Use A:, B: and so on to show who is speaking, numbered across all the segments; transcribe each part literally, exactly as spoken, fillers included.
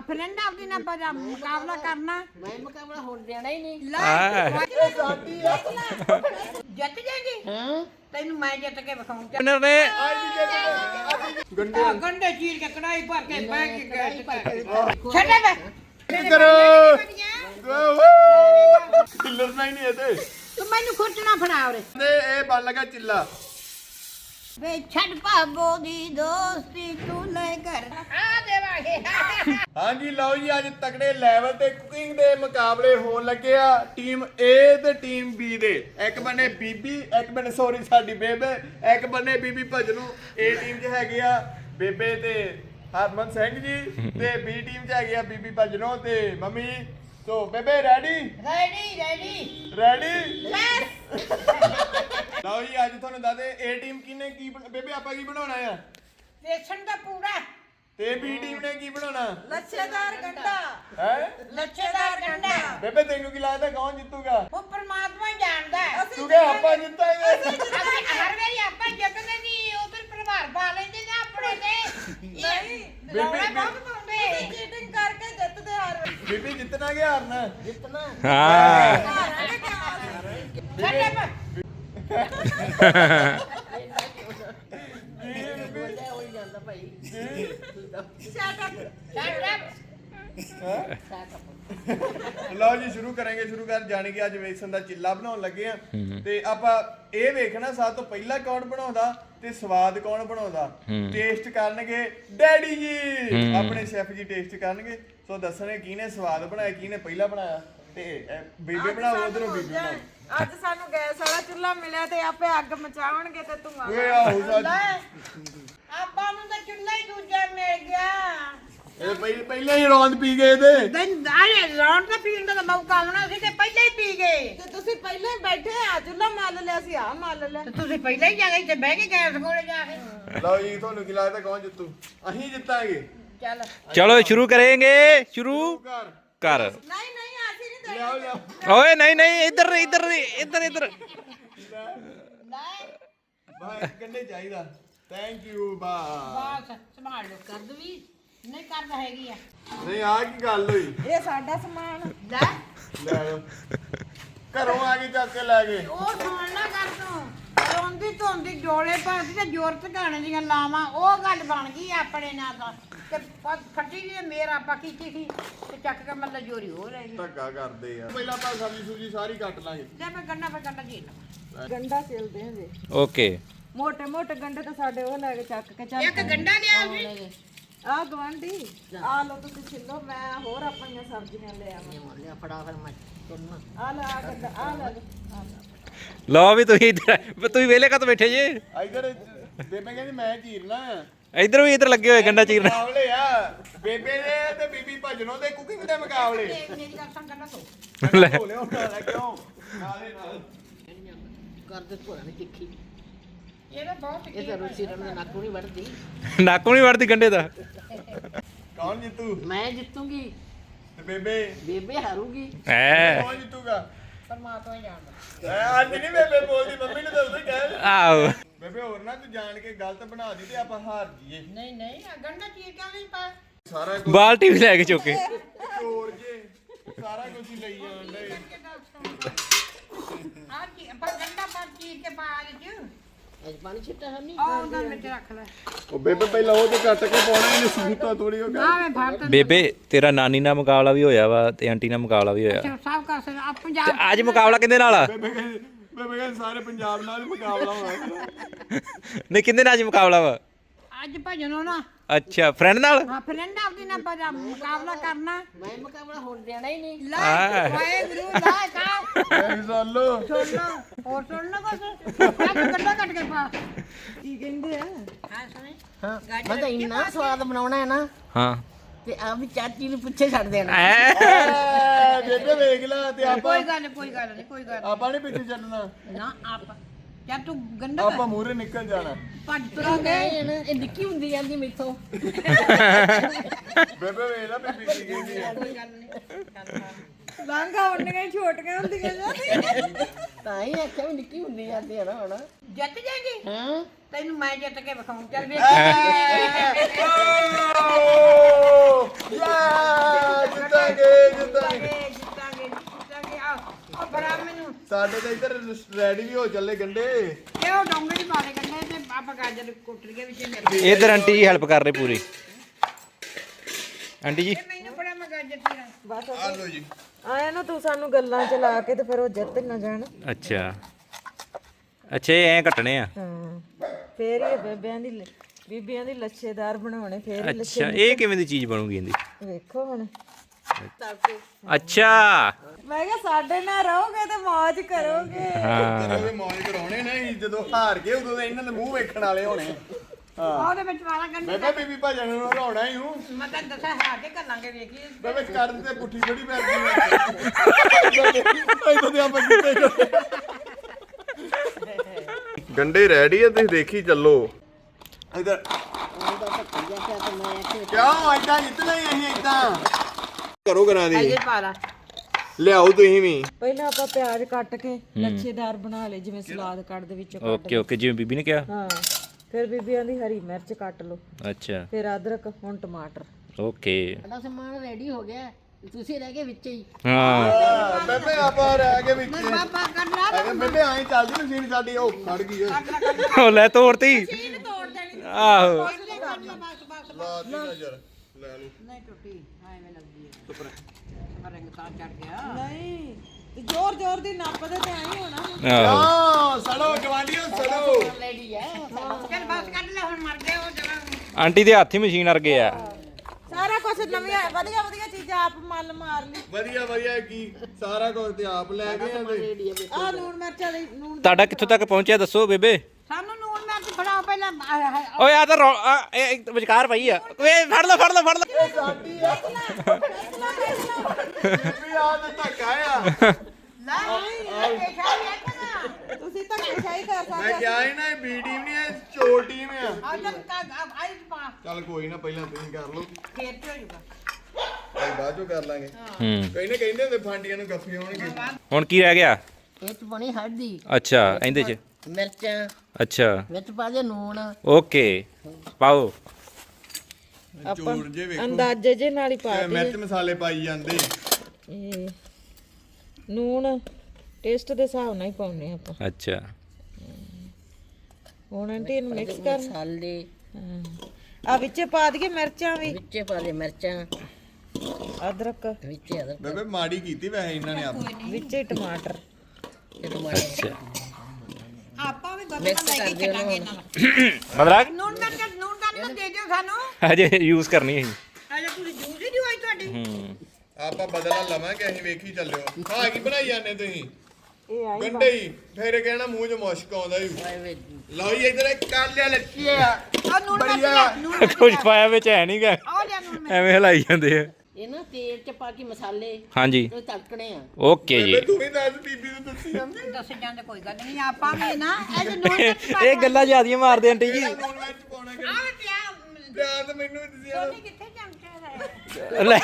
A: Friend आपदी ना बजा मुकाबला करना
B: मैं मुकाबला होने देना ही नहीं।
A: जित जाएगी
B: हाँ
A: तेन मैं जित के बखाऊं
C: विनर ने
D: गंडे
A: गंडे चीर के कढ़ाई भर के बैग के छड़े बे
D: करो किलर नहीं नहीं है
A: तू मैनू खुरचना फड़ा रे
D: ते ए बन लगा चिल्ला
A: वे छड़ भागो दी दोस्ती तू ले कर आ देवांगे
D: हाँ जी लो जी अज तगड़े लैवल ते कुकिंग दे मुकाबले होन लगे आ टीम ए ते टीम बी दे एक बने बीबी एक बने सॉरी साडी बेबे एक बने बीबी भजनू ए टीम च हैगे आ बेबे ते हरमन सिंह जी ते बी टीम च हैगे आ बीबी भजनू ते मम्मी तो बेबे ready
A: ready ready
D: ready
A: yes
D: ਲਓ ਜੀ ਅੱਜ ਤੁਹਾਨੂੰ ਦੱਸਦੇ ਏ ਟੀਮ ਕਿਨੇ ਕੀ ਬਣ- ਬੇਬੇ ਆਪਾਂ ਕੀ ਬਣਾਉਣਾ ਆ
A: बेसन का पूरा
D: ਤੇ ਬੀ ਟੀਮ ਨੇ ਕੀ ਬਣਾਉਣਾ
A: लच्छेदार गंडा
D: ਹੈ
A: लच्छेदार गंडा
D: ਬੇਬੇ ਤੈਨੂੰ ਕੀ ਲੱਗਦਾ ਕੌਣ ਜਿੱਤੂਗਾ
A: वो परमात्मा ही जानदा है
D: ਤੂੰ ਕਹੇ ਆਪਾਂ ਜਿੱਤਾਂਗੇ
A: हर वारी ਆਪਾਂ ਜਿੱਤਦੇ ਨਹੀਂ ਉਧਰ ਪ੍ਰਭਾਵ ਪਾ ਲੈਂਦੇ ਨੇ ਆਪਣੇ ਤੇ ਨਹੀਂ
D: ਬੇਬੇ
A: ਬਹੁਤ ਪਾਉਂਦੇ ਚੀਟਿੰਗ ਕਰਕੇ ਜਿੱਤਦੇ ਹਰ ਵਾਰੀ
D: ਬੀਬੀ ਜਿੱਤਣਾ ਕਿ ਹਾਰਨਾ
B: जितना
C: हाँ
A: ਛੱਡੇ ਪਾ
B: हो ही जाता भाई।
D: ਲਓ ਜੀ ਸ਼ੁਰੂ ਕਰਾਂਗੇ ਸ਼ੁਰੂ ਕਰ ਜਾਣੀ ਕਿ ਅੱਜ ਵੇਸਣ ਦਾ ਚਿੱਲਾ ਬਣਾਉਣ ਲੱਗੇ ਆ ਤੇ ਆਪਾਂ ਇਹ ਵੇਖਣਾ ਸਭ ਤੋਂ ਪਹਿਲਾਂ ਕੌਣ ਬਣਾਉਂਦਾ ਤੇ ਸਵਾਦ ਕੌਣ ਬਣਾਉਂਦਾ ਟੇਸਟ ਕਰਨਗੇ ਡੈਡੀ ਜੀ ਆਪਣੇ ਸ਼ੈਫ ਜੀ ਟੇਸਟ ਕਰਨਗੇ ਸੋ ਦੱਸਣੇ ਕਿਹਨੇ ਸਵਾਦ ਬਣਾਇਆ ਕਿਹਨੇ ਪਹਿਲਾਂ ਬਣਾਇਆ ਤੇ ਇਹ ਬੀਬੀ ਬਣਾਓ ਉਧਰੋਂ ਬੀਬੀ ਬਣਾਓ
E: ਅੱਜ ਸਾਨੂੰ ਗੈਸ ਵਾਲਾ ਚੁੱਲ੍ਹਾ ਮਿਲਿਆ ਤੇ ਆਪੇ ਅੱਗ ਮਚਾਉਣਗੇ ਤੇ ਧੂਆਂ
D: ਓਏ ਆਹੋ ਸੱਚ
A: ਆਪਾਂ ਨੂੰ ਤਾਂ ਚੁੱਲ੍ਹਾ ਹੀ ਦੂਜਾ ਮਿਲ ਗਿਆ
D: ਇਹ ਪਹਿ- ਪਹਿਲਾਂ ਹੀ ਰੌਂਦ ਪੀ ਗਏ ਤੇ
A: ਦਿਨ ਆਏ ਰੌਣ ਦਾ ਪੀਣ ਦਾ ਮੌਕਾ ਆਉਣਾ ਸੀ ਤੇ ਪਹਿਲਾਂ ਹੀ ਪੀ ਗਏ
E: ਤੇ ਤੁਸੀਂ ਪਹਿਲਾਂ ਹੀ ਬੈਠੇ ਆ ਚੁੱਲ੍ਹਾ ਮੱਲ ਲਿਆ ਸੀ ਆ ਮੱਲ ਲਿਆ
A: ਤੇ ਤੁਸੀਂ ਪਹਿਲਾਂ ਹੀ ਜਾ ਗਏ ਤੇ ਬਹਿ ਕੇ ਗੈਸ ਕੋਲੇ ਜਾ ਕੇ
D: ਲਓ ਜੀ ਤੁਹਾਨੂੰ ਕੀ ਲੱਗਦਾ ਕੌਣ ਜਿੱਤੂ ਅਸੀਂ ਜਿੱਤਾਂਗੇ
A: ਚੱਲ
C: चलो शुरू करेंगे शुरू
D: ਘਰ
C: कर
E: ਨਹੀਂ ਨਹੀਂ ਅਸੀਂ ਨਹੀਂ
D: ਲਿਆਓ ਲਿਆਓ
C: ओए नहीं नहीं इधर इधर इधर इधर
D: ਬਾਹਰ ਕੰਨੇ ਚਾਹੀਦਾ ਥੈਂਕ ਯੂ ਬਾ
A: ਬਸ ਸੰਭਾਲ ਲੋ ਕਰ ਦਵੀ ਨਹੀਂ ਕਰਦਾ ਹੈਗੀ ਆ
D: ਨਹੀਂ ਆ ਕੀ ਗੱਲ ਹੋਈ
E: ਇਹ ਸਾਡਾ ਸਮਾਨ
A: ਲੈ
D: ਲੈ ਲਓ ਘਰੋਂ ਆ ਕੇ ਚੱਕ ਕੇ ਲੈ ਗਏ
A: ਉਹ ਸੁਣ ਨਾ ਕਰ ਤੂੰ ਰੋਂਦੀ ਧੋਂਦੀ ਡੋਲੇ ਪਾਉਂਦੀ ਤੇ ਜ਼ੋਰ ਟਿਕਾਣੇ ਦੀਆਂ ਲਾਵਾਂ ਉਹ ਗੱਲ ਬਣ ਗਈ ਆਪਣੇ ਨਾਲ ਦਾ ਤੇ ਪ- ਫੱਟੀ ਜੀ ਮੇਰ ਆਪਾਂ ਕੀਤੀ ਸੀ ਤੇ ਚੱਕ ਕੇ ਮੱਲਾ ਜੋਰੀ ਹੋ ਰਹੀ
D: ਧੱਕਾ ਕਰਦੇ ਆ ਪਹਿਲਾਂ ਆਪਾਂ ਸਬਜ਼ੀ ਸੁਜੀ ਸਾਰੀ ਕੱਟ ਲਾਂਗੇ
A: ਲੈ ਮੈਂ ਗੰਨਾ ਪੇ ਗੰਨਾ ਜੀ ਲਵਾਂ
E: ਗੰਡਾ ਸਿਲਦੇ ਹਾਂ ਜੀ
C: ओके
E: ਮੋਟੇ ਮੋਟੇ ਗੰਡੇ ਤਾਂ ਸਾਡੇ ਉਹ ਲੈ ਕੇ ਚੱਕ ਕੇ ਚੱਲ
A: ਇੱਕ ਗੰਡਾ ਲਿਆ ਸੀ
E: ਆ ਗਵਾਂਢੀ ਆ ਲੋ ਤੁਸੀਂ ਛਿੱਲੋ ਮੈਂ ਹੋਰ ਆਪਣੀਆਂ ਸਬਜ਼ੀਆਂ ਲੈ ਆਵਾਂ
B: लिया फड़ा फिर मैं तुरना
E: ਆ ਲੈ ਆ ਗੰਡਾ ਆ ਲੈ ਲਓ, ਆ ਲੈ।
C: लो भी तुम इधर तुम वेले का तो बैठे जी
D: ਇਧਰ ਬੇਬੇ ਕਹਿੰਦੀ ਮੈਂ ਚੀਰਨਾ
C: इधर भी इधर लगे हुए गंडा चीरना
D: ਮੁਕਾਬਲੇ ਆ ਬੇਬੇ ਦੇ ਤੇ ਬੀਬੀ ਭਜਨੋਂ ਦੇ ਕੁਕਿੰਗ ਦੇ ਮੁਕਾਬਲੇ
A: ਮੇਰੀ ਗੱਲ ਸੁਣ ਗੰਨਾ ਤੋਂ
C: ਲੈ।
D: ਭੋਲੇ ਹੋਣਾ ਲੈ ਕਿਉਂ ਨਾਲੇ ਨਾਲ
B: कर दे पूरा नहीं तिखी
A: ਇਹ ਤਾਂ ਬਹੁਤ
B: ये तो रुचि रन में नाकू नहीं बढ़ती।
C: नाकू नहीं बढ़ती गंडे दा
D: ਕੌਣ ਜਿੱਤੂ
B: मैं जीतूंगी
D: ਤੇ ਬੇਬੇ
B: बेबे हारूंगी।
C: है
D: ਕੌਣ ਜਿੱਤੂਗਾ
A: ਪਰਮਾਤਮਾ ਹੀ ਜਾਣਦਾ
D: ਐ ਅੱਜ ਨਹੀਂ ਬੇਬੇ ਬੋਲਦੀ ਮੰਮੀ ਨੇ ਤਾਂ ਉਦੋਂ ਹੀ ਕਹਿ
C: आओ
D: ਬੇਬੇ ਹੋਰ ਨਾ ਤੂੰ ਜਾਣ ਕੇ ਗਲਤ ਬਣਾ ਦੀ ਤੇ ਆਪਾਂ ਹਾਰ ਜੀਏ
A: ਨਹੀਂ ਨਹੀਂ ਆ ਗੰਡਾ ਚੀਰ ਕਿਉਂ ਨਹੀਂ ਪਾ
D: ਸਾਰਾ ਕੁਝ
C: बाल्टी भी लेके चुके
D: ਚੋਰ ਜੇ ਸਾਰਾ ਕੁਝ ਹੀ ਲਈ ਜਾਣ ਦੇ
A: ਆ ਕੀ ਪਰ ਗੰਡਾ ਪਰ ਚੀਰ ਕੇ ਪਾ ਦੇ
B: आज पानी छिट्टा है नहीं।
A: ਆ ਉਹਨਾਂ ਵਿੱਚ ਰੱਖ ਲੈ
D: ਉਹ ਬੇਬੇ ਪਹਿਲਾਂ ਉਹ ਤੇ ਕੱਟ ਕੇ ਪਾਉਣਾ ਇਹਨੇ ਸੂਤਾ ਥੋੜੀ ਹੋ
A: ਆ ਮੈਂ ਭਾਰਤ
C: बेबे तेरा नानी ਨਾਲ ਮੁਕਾਬਲਾ ਵੀ ਹੋਇਆ ਵਾ ਤੇ ਆਂਟੀ ਨਾਲ ਮੁਕਾਬਲਾ ਵੀ ਹੋਇਆ
A: ਸਭ ਕਰ ਸਕਦਾ ਆ
C: ਤੇ
A: ਪੰਜਾਬ
C: ਅੱਜ ਮੁਕਾਬਲਾ ਕਿਹਦੇ ਨਾਲ ਆ
D: ਬੇਬੇ ਕਹਿੰਦੀ ਬੇਬੇ ਕਹਿੰਦੀ ਸਾਰੇ ਪੰਜਾਬ ਨਾਲ ਹੀ ਮੁਕਾਬਲਾ ਹੋਣਾ
C: ਨਹੀਂ ਕਿਹਦੇ ਨਾਲ ਅੱਜ ਮੁਕਾਬਲਾ ਵਾ
A: ਅੱਜ ਭਜਨੋ ਨਾ
C: ਅੱਛਾ ਫਰੈਂਡ ਨਾਲ
A: ਹਾਂ ਫਰੈਂਡ ਆਪਦੀ ਨਾ ਬਜਾ ਮੁਕਾਬਲਾ ਕਰਨਾ
B: मैं मुकाबला होने देना ही नहीं।
A: ਲੈ ਵਾਏ ਗੁਰੂ ਲੈ ਕਾ
D: ਐ ਸੁਣ ਲੋ
A: ਸੁਣ ਲੋ ਹੋਰ ਸੁਣ ਲੋ ਕੁਛ ਆ ਗੰਡਾ ਕੱਟ ਕੇ ਪਾ
E: ਕੀ ਕਹਿੰਦੇ ਆ
A: ਹਾਂ ਸੁਣੇ
B: हाँ मैं तो इन्ना स्वाद बनाना है ना
C: ਹਾਂ
B: ते आप भी चाची ने पूछे छड़ देना।
D: ਐ ਬੇਬੇ ਵੇਖ ਲੈ ਤੇ ਆਪਾਂ
A: ਕੋਈ ਗੱਲ ਨੀ, ਕੋਈ ਗੱਲ ਨਹੀਂ ਕੋਈ ਗੱਲ
D: ਆਪਾਂ ਨਹੀਂ ਪਿੱਛੇ ਛੱਡਣਾ
A: ਨੀ। ਨਾ ਆਪ ਜਾਂ ਤੂੰ ਗੰਡਾ
D: ਆਪਾਂ ਮੂਹਰੇ ਨਿਕਲ ਜਾਣਾ
A: ਭੱਜ ਤੁਰਾਂਗੇ
B: नहीं ना ये निक्की हुंदी जांदी मेथों।
D: ਬੇਬੇ ਵੇਖ ਲੈ ਬੀਬੀ ਕੀ ਕਹਿੰਦੀ ਆ
A: ਕੋਈ ਗੱਲ ਨਹੀਂ
E: ਲਾਂਘਾ ਉਹਨੀਆਂ ਹੀ ਛੋਟੀਆਂ ਹੁੰਦੀਆਂ ਜਾਂਦੀਆਂ
B: ਤਾਂ ਹੀ ਆਖਿਆ ਵੀ ਨਿੱਕੀ ਹੁੰਦੀ ਜਾਂਦੀ ਹੈ ਨਾ ਹੁਣ।
A: ਜਿੱਤ ਜਾਏਗੀ
B: ਹਾਂ
A: ਤੈਨੂੰ ਮੈਂ ਜਿੱਤ ਕੇ ਵਿਖਾਉਂ ਚੱਲ ਵੇਖ
D: ਯਾ ਸਾਡੇ ਤਾਂ ਇੱਧਰ ਰੈਡੀ ਵੀ ਹੋ ਚੱਲੇ ਗੰਡੇ।
A: ਇਹ ਉਹ ਡੋਂਗਰੀ ਪਾ ਦੇ ਕੰਨੇ ਤੇ ਆਪਾਂ ਗਾਜਰ ਕੁੱਟ ਲਈਏ ਵਿੱਚ ਮੇਰੇ
C: ਇਧਰ ਆਂਟੀ ਜੀ ਹੈਲਪ ਕਰ ਰਹੇ ਪੂਰੀ। ਆਂਟੀ ਜੀ
A: ਮੈਨੂੰ ਬੜਾ ਮੈਂ ਗਾਜਰ ਤੀਰਾ
E: ਬਸ
D: ਆ ਲਓ ਜੀ।
E: ਆਇਆ ਨਾ ਤੂੰ ਸਾਨੂੰ ਗੱਲਾਂ ਚ ਲਾ ਕੇ ਤੇ ਫਿਰ ਉਹ ਜਿੱਤ ਨਾ ਜਾਣ।
C: ਅੱਛਾ ਅੱਛਾ ਇਹ ਐਂ ਕੱਟਣੇ ਆ।
E: ਹਾਂ ਫੇਰ ਹੀ ਬੇਬਿਆਂ ਦੀ ਲ- ਬੀਬੀਆਂ ਦੀ ਲੱਛੇਦਾਰ ਬਣਾਉਣੇ ਫੇਰ ਹੀ
C: ਅੱਛਾ ਇਹ ਕਿਵੇਂ ਦੀ ਚੀਜ਼ ਬਣੂਗੀ ਇਹਦੀ?
E: ਵੇਖੋ ਹੁਣ
C: ਅੱਛਾ
E: ਮੈਂ ਕਿਹਾ ਸਾਡੇ ਨਾਲ ਰਹੋਗੇ ਤੇ ਮौज ਕਰੋਗੇ।
C: ਹਾਂ
D: ਜਦੋਂ ਇਹ ਮੌਜ ਕਰਾਉਣੇ ਨੇ ਅਸੀਂ ਜਦੋਂ ਹਾਰ ਗਏ ਉਦੋਂ ਤਾਂ ਇਹਨਾਂ ਦੇ ਮੂੰਹ ਵੇਖਣ ਵਾਲੇ ਹੋਣੇ। ਹਾਂ
A: ਉਹਦੇ ਵਿੱਚ ਵਾਲਾ ਕੰਨੇ
D: ਮੈਂ ਕਿਹਾ ਬੀਬੀ ਭਾਜਣ ਨੂੰ ਹਰਾਉਣਾ ਹੀ ਹੂੰ।
A: ਮੈਂ ਤਾਂ ਦੱਸਿਆ ਹੈ ਕਿ ਕਰਾਂਗੇ ਵੇਖੀ
D: ਬੇਬੇ ਕਰਨ ਤੇ ਪੁੱਠੀ ਬੜੀ ਪੈਂਦੀ ਹੈ। ਇਦੋਂ ਤੇ ਆਪਾਂ ਕਿੱਥੇ ਗਏ। ਗੰਡੇ ਰੈਡੀ ਆ ਤੁਸੀਂ ਦੇਖੀ ਚੱਲੋ। ਇਧਰ ਕਿਉਂ ਐਦਾਂ ਜਿੱਤਣਾ ਹੀ ਅਸੀਂ ਐਦਾਂ ਕਰੋ ਕਰਾਂ ਦੀ
A: ਇਹ ਪਾ ਲਾ
D: ਲਿਆਓ ਤੁਸੀਂ ਵੀ।
E: ਪਹਿਲਾਂ ਆਪਾਂ ਪਿਆਜ਼ ਕੱਟ ਕੇ ਲੱਛੇਦਾਰ ਬਣਾ ਲਏ ਜਿਵੇਂ ਸਲਾਦ ਕੱਟ ਦੇ ਵਿੱਚੋਂ ਕੱਟ
C: ਓਕੇ ਓਕੇ ਜਿਵੇਂ ਬੀਬੀ ਨੇ ਕਿਹਾ।
E: ਹਾਂ ਫਿਰ ਬੀਬੀਆਂ ਦੀ ਹਰੀ ਮਿਰਚ ਕੱਟ ਲਓ
C: ਅੱਛਾ
E: ਫਿਰ ਅਦਰਕ ਹੁਣ ਟਮਾਟਰ।
C: ਓਕੇ
B: ਸਾਡਾ ਸਮਾਨ ਰੈਡੀ ਹੋ ਗਿਆ ਤੁਸੀਂ ਰਹਿ ਗਏ ਵਿੱਚ ਹੀ।
C: ਹਾਂ
D: ਬੇਬੇ ਆਪਾਂ ਰਹਿ ਗਏ ਵਿੱਚ।
A: ਬਾਬਾ ਕਰ ਲਾ
D: ਅਰੇ ਬੇਬੇ ਐਂ ਚੱਲਦੀ ਮਸ਼ੀਨ ਸਾਡੀ ਉਹ ਖੜ ਗਈ ਓਏ।
C: ਉਹ ਲੈ ਤੋੜਤੀ
A: ਤੋੜ ਦੇਣੀ
C: ਆਹੋ
A: ਬਸ ਬਸ
D: ਲਾ ਦੀ ਨਜ਼ਰ ਲੈ ਲਓ।
A: ਨਹੀਂ ਟੁੱਟੀ ਐਵੇਂ ਲੱਗਦੀ ਹੈ ਪਰ ਰੰਗ ਤਾਂ ਚੜ ਗਿਆ
E: ਨਹੀਂ ਤੇ ਜ਼ੋਰ ਜ਼ੋਰ ਦੀ ਨੱਪਦੇ ਤੇ ਆਈ ਹੋਣਾ।
C: ਆਹੋ
D: ਆ ਸੜੋ ਜਵਾਨੀਓ ਸੜੋ।
B: ਰੈਡੀ ਹੈ
A: ਚੱਲ ਬਸ ਕੱਢ ਲੈ ਹੁਣ ਮਰ ਗਏ ਉਹ ਜਗ੍ਹਾ
C: ਆਂਟੀ ਦੇ ਹੱਥ ਹੀ ਮਸ਼ੀਨ ਅਰਗੇ ਆ।
E: ਸਾਰਾ ਕੁਝ ਨਵੀਆਂ ਵਧੀਆ ਵਧੀਆ ਚੀਜ਼ਾਂ ਆਪ ਮੱਲ ਮਾਰ ਲਈ।
D: ਵਧੀਆ ਵਧੀਆ ਕੀ ਸਾਰਾ ਕੁਝ ਤੇ ਆਪ ਲੈ ਗਏ ਆ।
E: ਆਹ ਲੂਣ ਮਿਰਚਾਂ ਦੀ ਲੂਣ
C: ਤੁਹਾਡਾ ਕਿੱਥੋਂ ਤੱਕ ਪਹੁੰਚਿਆ ਦੱਸੋ ਬੇਬੇ?
A: ਸਾਨੂੰ ਨੂਨ ਮਿਰਚ ਫੜਾਓ ਪਹਿਲਾਂ ਆਹ, ਆਹ,
C: ਓਏ ਆ ਤਾਂ ਰੌ- ਆ, ਇਹ ਇੱਕ ਵਿਚਕਾਰ ਪਈ ਆ। ਓਏ ਫੜ ਲੈ ਫੜ ਲੈ ਫੜ ਲੈ।
D: ਸਾਡੀ ਆ ਬੀਬੀ ਆ ਤੇ ਧੱਕਾ ਆ।
A: ਲੈ ਇਹ ਪੇਸ਼ਾ ਵੀ ਆਖਣਾ
E: ਤੁਸੀਂ ਧੱਕੇਸ਼ਾਹੀ ਕਰ
D: ਮੈਂ
E: ਸਕਦੇ।
D: ਕਿਹਾ ਸੀ ਨਾ ਇਹ ਬੀ ਟੀਮ ਨਹੀਂ ਇਹ ਚੋਰ ਟੀਮ ਆ।
A: ਆ ਜਦ ਤੱਕ ਆਈ ਪਾ
D: ਚੱਲ ਕੋਈ ਨਾ ਪਹਿਲਾਂ ਤੁਸੀਂ ਕਰ ਲਓ
A: ਫੇਰ ਤੇ ਹੋ ਜਾਊਗਾ
D: ਅਸੀਂ ਬਾਅਦ ਚੋਂ ਕਰ ਲਾਂਗੇ।
C: ਹੂੰ
D: ਕਈ ਨਾ ਕਹਿੰਦੇ ਹੁੰਦੇ ਫਾਂਡੀਆਂ ਨੂੰ ਗੱਫੇ ਹੋਣਗੇ।
C: ਹੁਣ ਕੀ ਰਹਿ ਗਿਆ?
B: ਇਹ ਚ ਬਣੀ ਹਲਦੀ
C: ਅੱਛਾ ਇਹਦੇ ਚ
B: ਮਿਰਚਾਂ
C: ਅੱਛਾ
B: ਵਿੱਚ ਪਾ ਦੇ ਨੂਣ
C: ਓਕੇ ਪਾਓ।
D: ਚੋਰ ਜੇ ਵੇਖੋ
E: ਅੰਦਾਜ਼ੇ ਜੇ ਨਾਲ ਹੀ ਪਾ
D: ਇਹ ਮਿਰਚ ਮਸਾਲੇ ਪਾਈ ਜਾਂਦੇ।
E: ਇਹ ਨੂਣ ਟੇਸਟ ਦੇ ਹਿਸਾਬ ਨਾਲ ਹੀ ਪਾਉਣੇ ਆਪਾਂ।
C: ਅੱਛਾ
E: ਹੁਣ ਆਂਟੀ ਇਹਨੂੰ ਮਿਕਸ ਕਰ।
B: ਮਸਾਲੇ
E: ਆ ਵਿੱਚੇ ਪਾ ਦਈਏ ਮਿਰਚਾਂ ਵੀ
B: ਵਿੱਚੇ ਪਾ ਦੇ ਮਿਰਚਾਂ
E: ਅਦਰਕ
B: ਵਿੱਚੇ ਅਦਰਕ
D: ਬੇਬੇ ਮਾੜੀ ਕੀਤੀ ਵੈਸੇ ਇਹਨਾਂ ਨੇ ਆਪ।
E: ਵਿੱਚੇ ਟਮਾਟਰ।
B: ਤੇ ਟਮਾਟਰ
C: ਅੱਛਾ
A: ਆਪਾਂ ਵੀ ਗੱਲਾਂ
B: ਮਿਕਸ
A: ਲੈ
B: ਕਰ
A: ਕੇ
B: ਦਿਓ
A: ਚੱਲਾਂਗੇ
B: ਨਾ।
A: ਇਹਨਾਂ ਨੂੰ
C: ਮਤਲਬ
A: ਨੂਨ ਮਿਰਚ ਨੂਨ ਦਾ ਦੇ ਦਿਓ ਸਾਨੂੰ
C: ਹਜੇ ਯੂਜ਼ ਕਰਨੀ ਹੈ।
A: ਅਜੇ ਤੁਸੀਂ ਜੂਸ ਹੀ ਦਿਵਾਈ ਤੁਹਾਡੀ
C: ਹੂੰ
D: ਆਪਾਂ ਬਦਲਾ ਲਵਾਂਗੇ ਅਸੀਂ ਵੇਖੀ ਚੱਲਿਓ। ਹਾਂ ਕੀ ਬਣਾਈ ਜਾਂਦੇ ਤੁਸੀਂ?
E: ਇਹ ਆਈ
D: ਗੰਡੇ ਹੀ ਫੇਰ ਕਹਿਣਾ ਮੂੰਹ 'ਚ ਮੁਸ਼ਕ ਆਉਂਦਾ ਹੀ।
B: ਓਏ
D: ਲਓ ਜੀ ਇਧਰ ਕਰ ਲਿਆ ਲੱਛੀ ਆ।
A: ਆ ਨੂਨ ਮਿਰਚ
D: ਬੜੀਆ।
A: ਲੈ, ਨੂਨ ਮਿਰਚ
C: ਕੁਝ ਪਾਇਆ ਵਿੱਚ ਹੈ ਨਹੀਂਗਾ
A: ਆ ਲਿਆ ਨੂਨ ਮਿਰਚ
C: ਐਵੇਂ ਹਲਾਈ ਜਾਂਦੇ ਆ।
B: ਇਹ ਨਾ ਤੇਲ ਚ ਪਾ ਕੇ ਮਸਾਲੇ
C: ਹਾਂਜੀ
B: ਉਹ ਤੜਕਣੇ ਆ।
C: ਓਕੇ ਜੀ।
D: ਬੇਬੇ ਤੂੰ ਵੀ ਦੱਸ ਬੀਬੀ ਨੂੰ ਦੱਸੀ ਜਾਂਦੇ।
A: ਦੱਸ ਜਾਂਦੇ ਕੋਈ ਗੱਲ ਨਹੀਂ ਆਪਾਂ ਵੀ ਨਾ ਇਹ ਨੂਨ ਮਿਰਚ ਪਾ
C: ਇਹ ਗੱਲਾਂ ਜ਼ਿਆਦੀਆਂ ਮਾਰਦੇ ਆਂਟੀ ਜੀ।
D: ਲੂਣ ਮਿਰਚ ਪਾਉਣਾ ਕਿ
A: ਆ ਵੀ ਪਿਆ
D: ਪਿਆਰ ਤਾਂ ਮੈਨੂੰ ਵੀ ਦੱਸਿਆ
A: ਸੋਨੀ ਕਿੱਥੇ ਚਮਚਾ ਹੈ
C: ਲੈ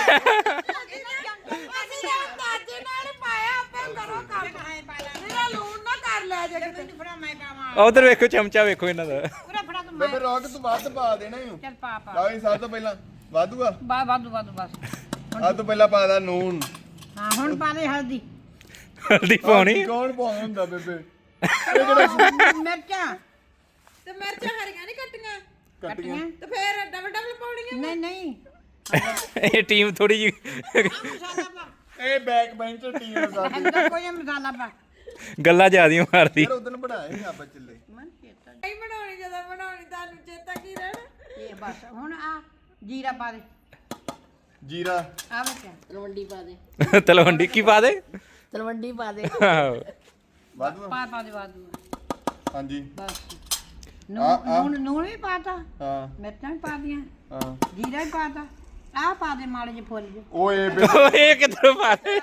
E: ਅਸੀਂ ਤਾਂ ਅੰਦਾਜ਼ੇ ਨਾਲ ਹੀ ਪਾਇਆ ਆਪੇ ਕਰੋ ਕੰਮ। ਮੇਰਾ ਲੂਣ ਨਾ ਕਰ ਲੈ ਜੇ ਕਿਤੇ।
A: ਫੜਾ ਮੈਂ ਪਾਵਾਂ
C: ਉਧਰ ਵੇਖੋ ਚਮਚਾ ਵੇਖੋ ਇਹਨਾਂ ਦਾ।
A: ਪੂਰਾ ਫੜਾ ਤੂੰ ਮੈਂ
D: ਬੇਬੇ ਰੋਕ ਤੂੰ ਵੱਧ ਪਾ ਦੇਣਾ ਹੀ।
A: ਚੱਲ ਪਾ ਪਾ
D: ਲਓ ਜੀ ਸਭ ਤੋਂ ਪਹਿਲਾਂ ਵਾਧੂ ਆ।
A: ਬਾ ਵਾਧੂ ਵਾਧੂ ਬਸ
D: ਆ ਤੋਂ ਪਹਿਲਾਂ ਪਾ ਦਾ ਨੂਨ।
A: ਹਾਂ ਹੁਣ ਪਾ ਦੇ ਹਲਦੀ
C: ਹਲਦੀ ਪਾਉਣੀ
D: ਹਲਦੀ ਕੌਣ ਪਾਉਂਦਾ ਹੁੰਦਾ ਬੇਬੇ?
A: ਮਿਰਚਾਂ
E: ਤੇ ਮਿਰਚਾਂ ਹਰੀਆਂ ਨਹੀਂ ਕੱਟੀਆਂ
D: ਕੱਟੀਆਂ
E: ਤੇ ਫੇਰ ਡਬਲ ਡਬਲ ਪਾਉਣੀਆਂ।
A: ਨਹੀਂ ਨਹੀਂ
C: ਇਹ ਟੀਮ ਥੋੜੀ ਜੀ
A: ਮਸਾਲਾ ਪਾ
D: ਇਹ ਬੈਕ ਬੈਂਚਰ ਟੀਮ ਆ ਸਾਡੀ।
A: ਅੰਦਰ ਕੋਈ ਮਸਾਲਾ ਪਾ
C: ਗੱਲਾਂ ਜ਼ਿਆਦੀਆਂ ਮਾਰਦੀ।
D: ਯਾਰ ਉਦੋਂ ਬਣਾਏ ਸੀ ਆਪਾਂ ਚੱਲੇ।
A: ਮਨ ਚੇਤਾ
E: ਨਹੀਂ ਬਣਾਉਣੀ ਜਦੋਂ ਬਣਾਉਣੀ ਤੁਹਾਨੂੰ ਚੇਤਾ ਕੀ ਰਹਿਣਾ।
A: ਇਹ ਬਸ ਹੁਣ ਆ ਜੀਰਾ ਪਾ ਦੇ
D: ਜੀਰਾ
A: ਆ ਬੱਚਾ
B: ਤਲਵੰਡੀ ਪਾ ਦੇ
C: ਤਲਵੰਡੀ ਕੀ ਪਾ ਦੇ?
B: ਤਲਵੰਡੀ ਪਾ ਦੇ
C: ਆਹੋ।
D: ਵਾਧੂ ਆ?
A: ਪਾ ਪਾ ਦੇ ਵਾਧੂ
D: ਹਾਂਜੀ
A: ਬਸ
D: ਆ,
A: ਨੂਨ
D: ਆ।
A: ਨੂਨ ਨੂਨ ਵੀ ਪਾਤਾ
D: ਹਾਂ
A: ਮਿਰਚਾਂ ਵੀ ਪਾ ਦੀਆਂ
D: ਹਾਂ
A: ਜੀਰਾ ਵੀ ਪਾਤਾ ਆ ਪਾ ਦੇ ਮਾੜੇ ਜਿਹੇ ਫੁੱਲ ਜੇ
D: ਓਏ ਬੇਬੇ
C: ਓਏ ਇਹ ਕਿੱਧਰੋਂ ਪਾ ਦੇ?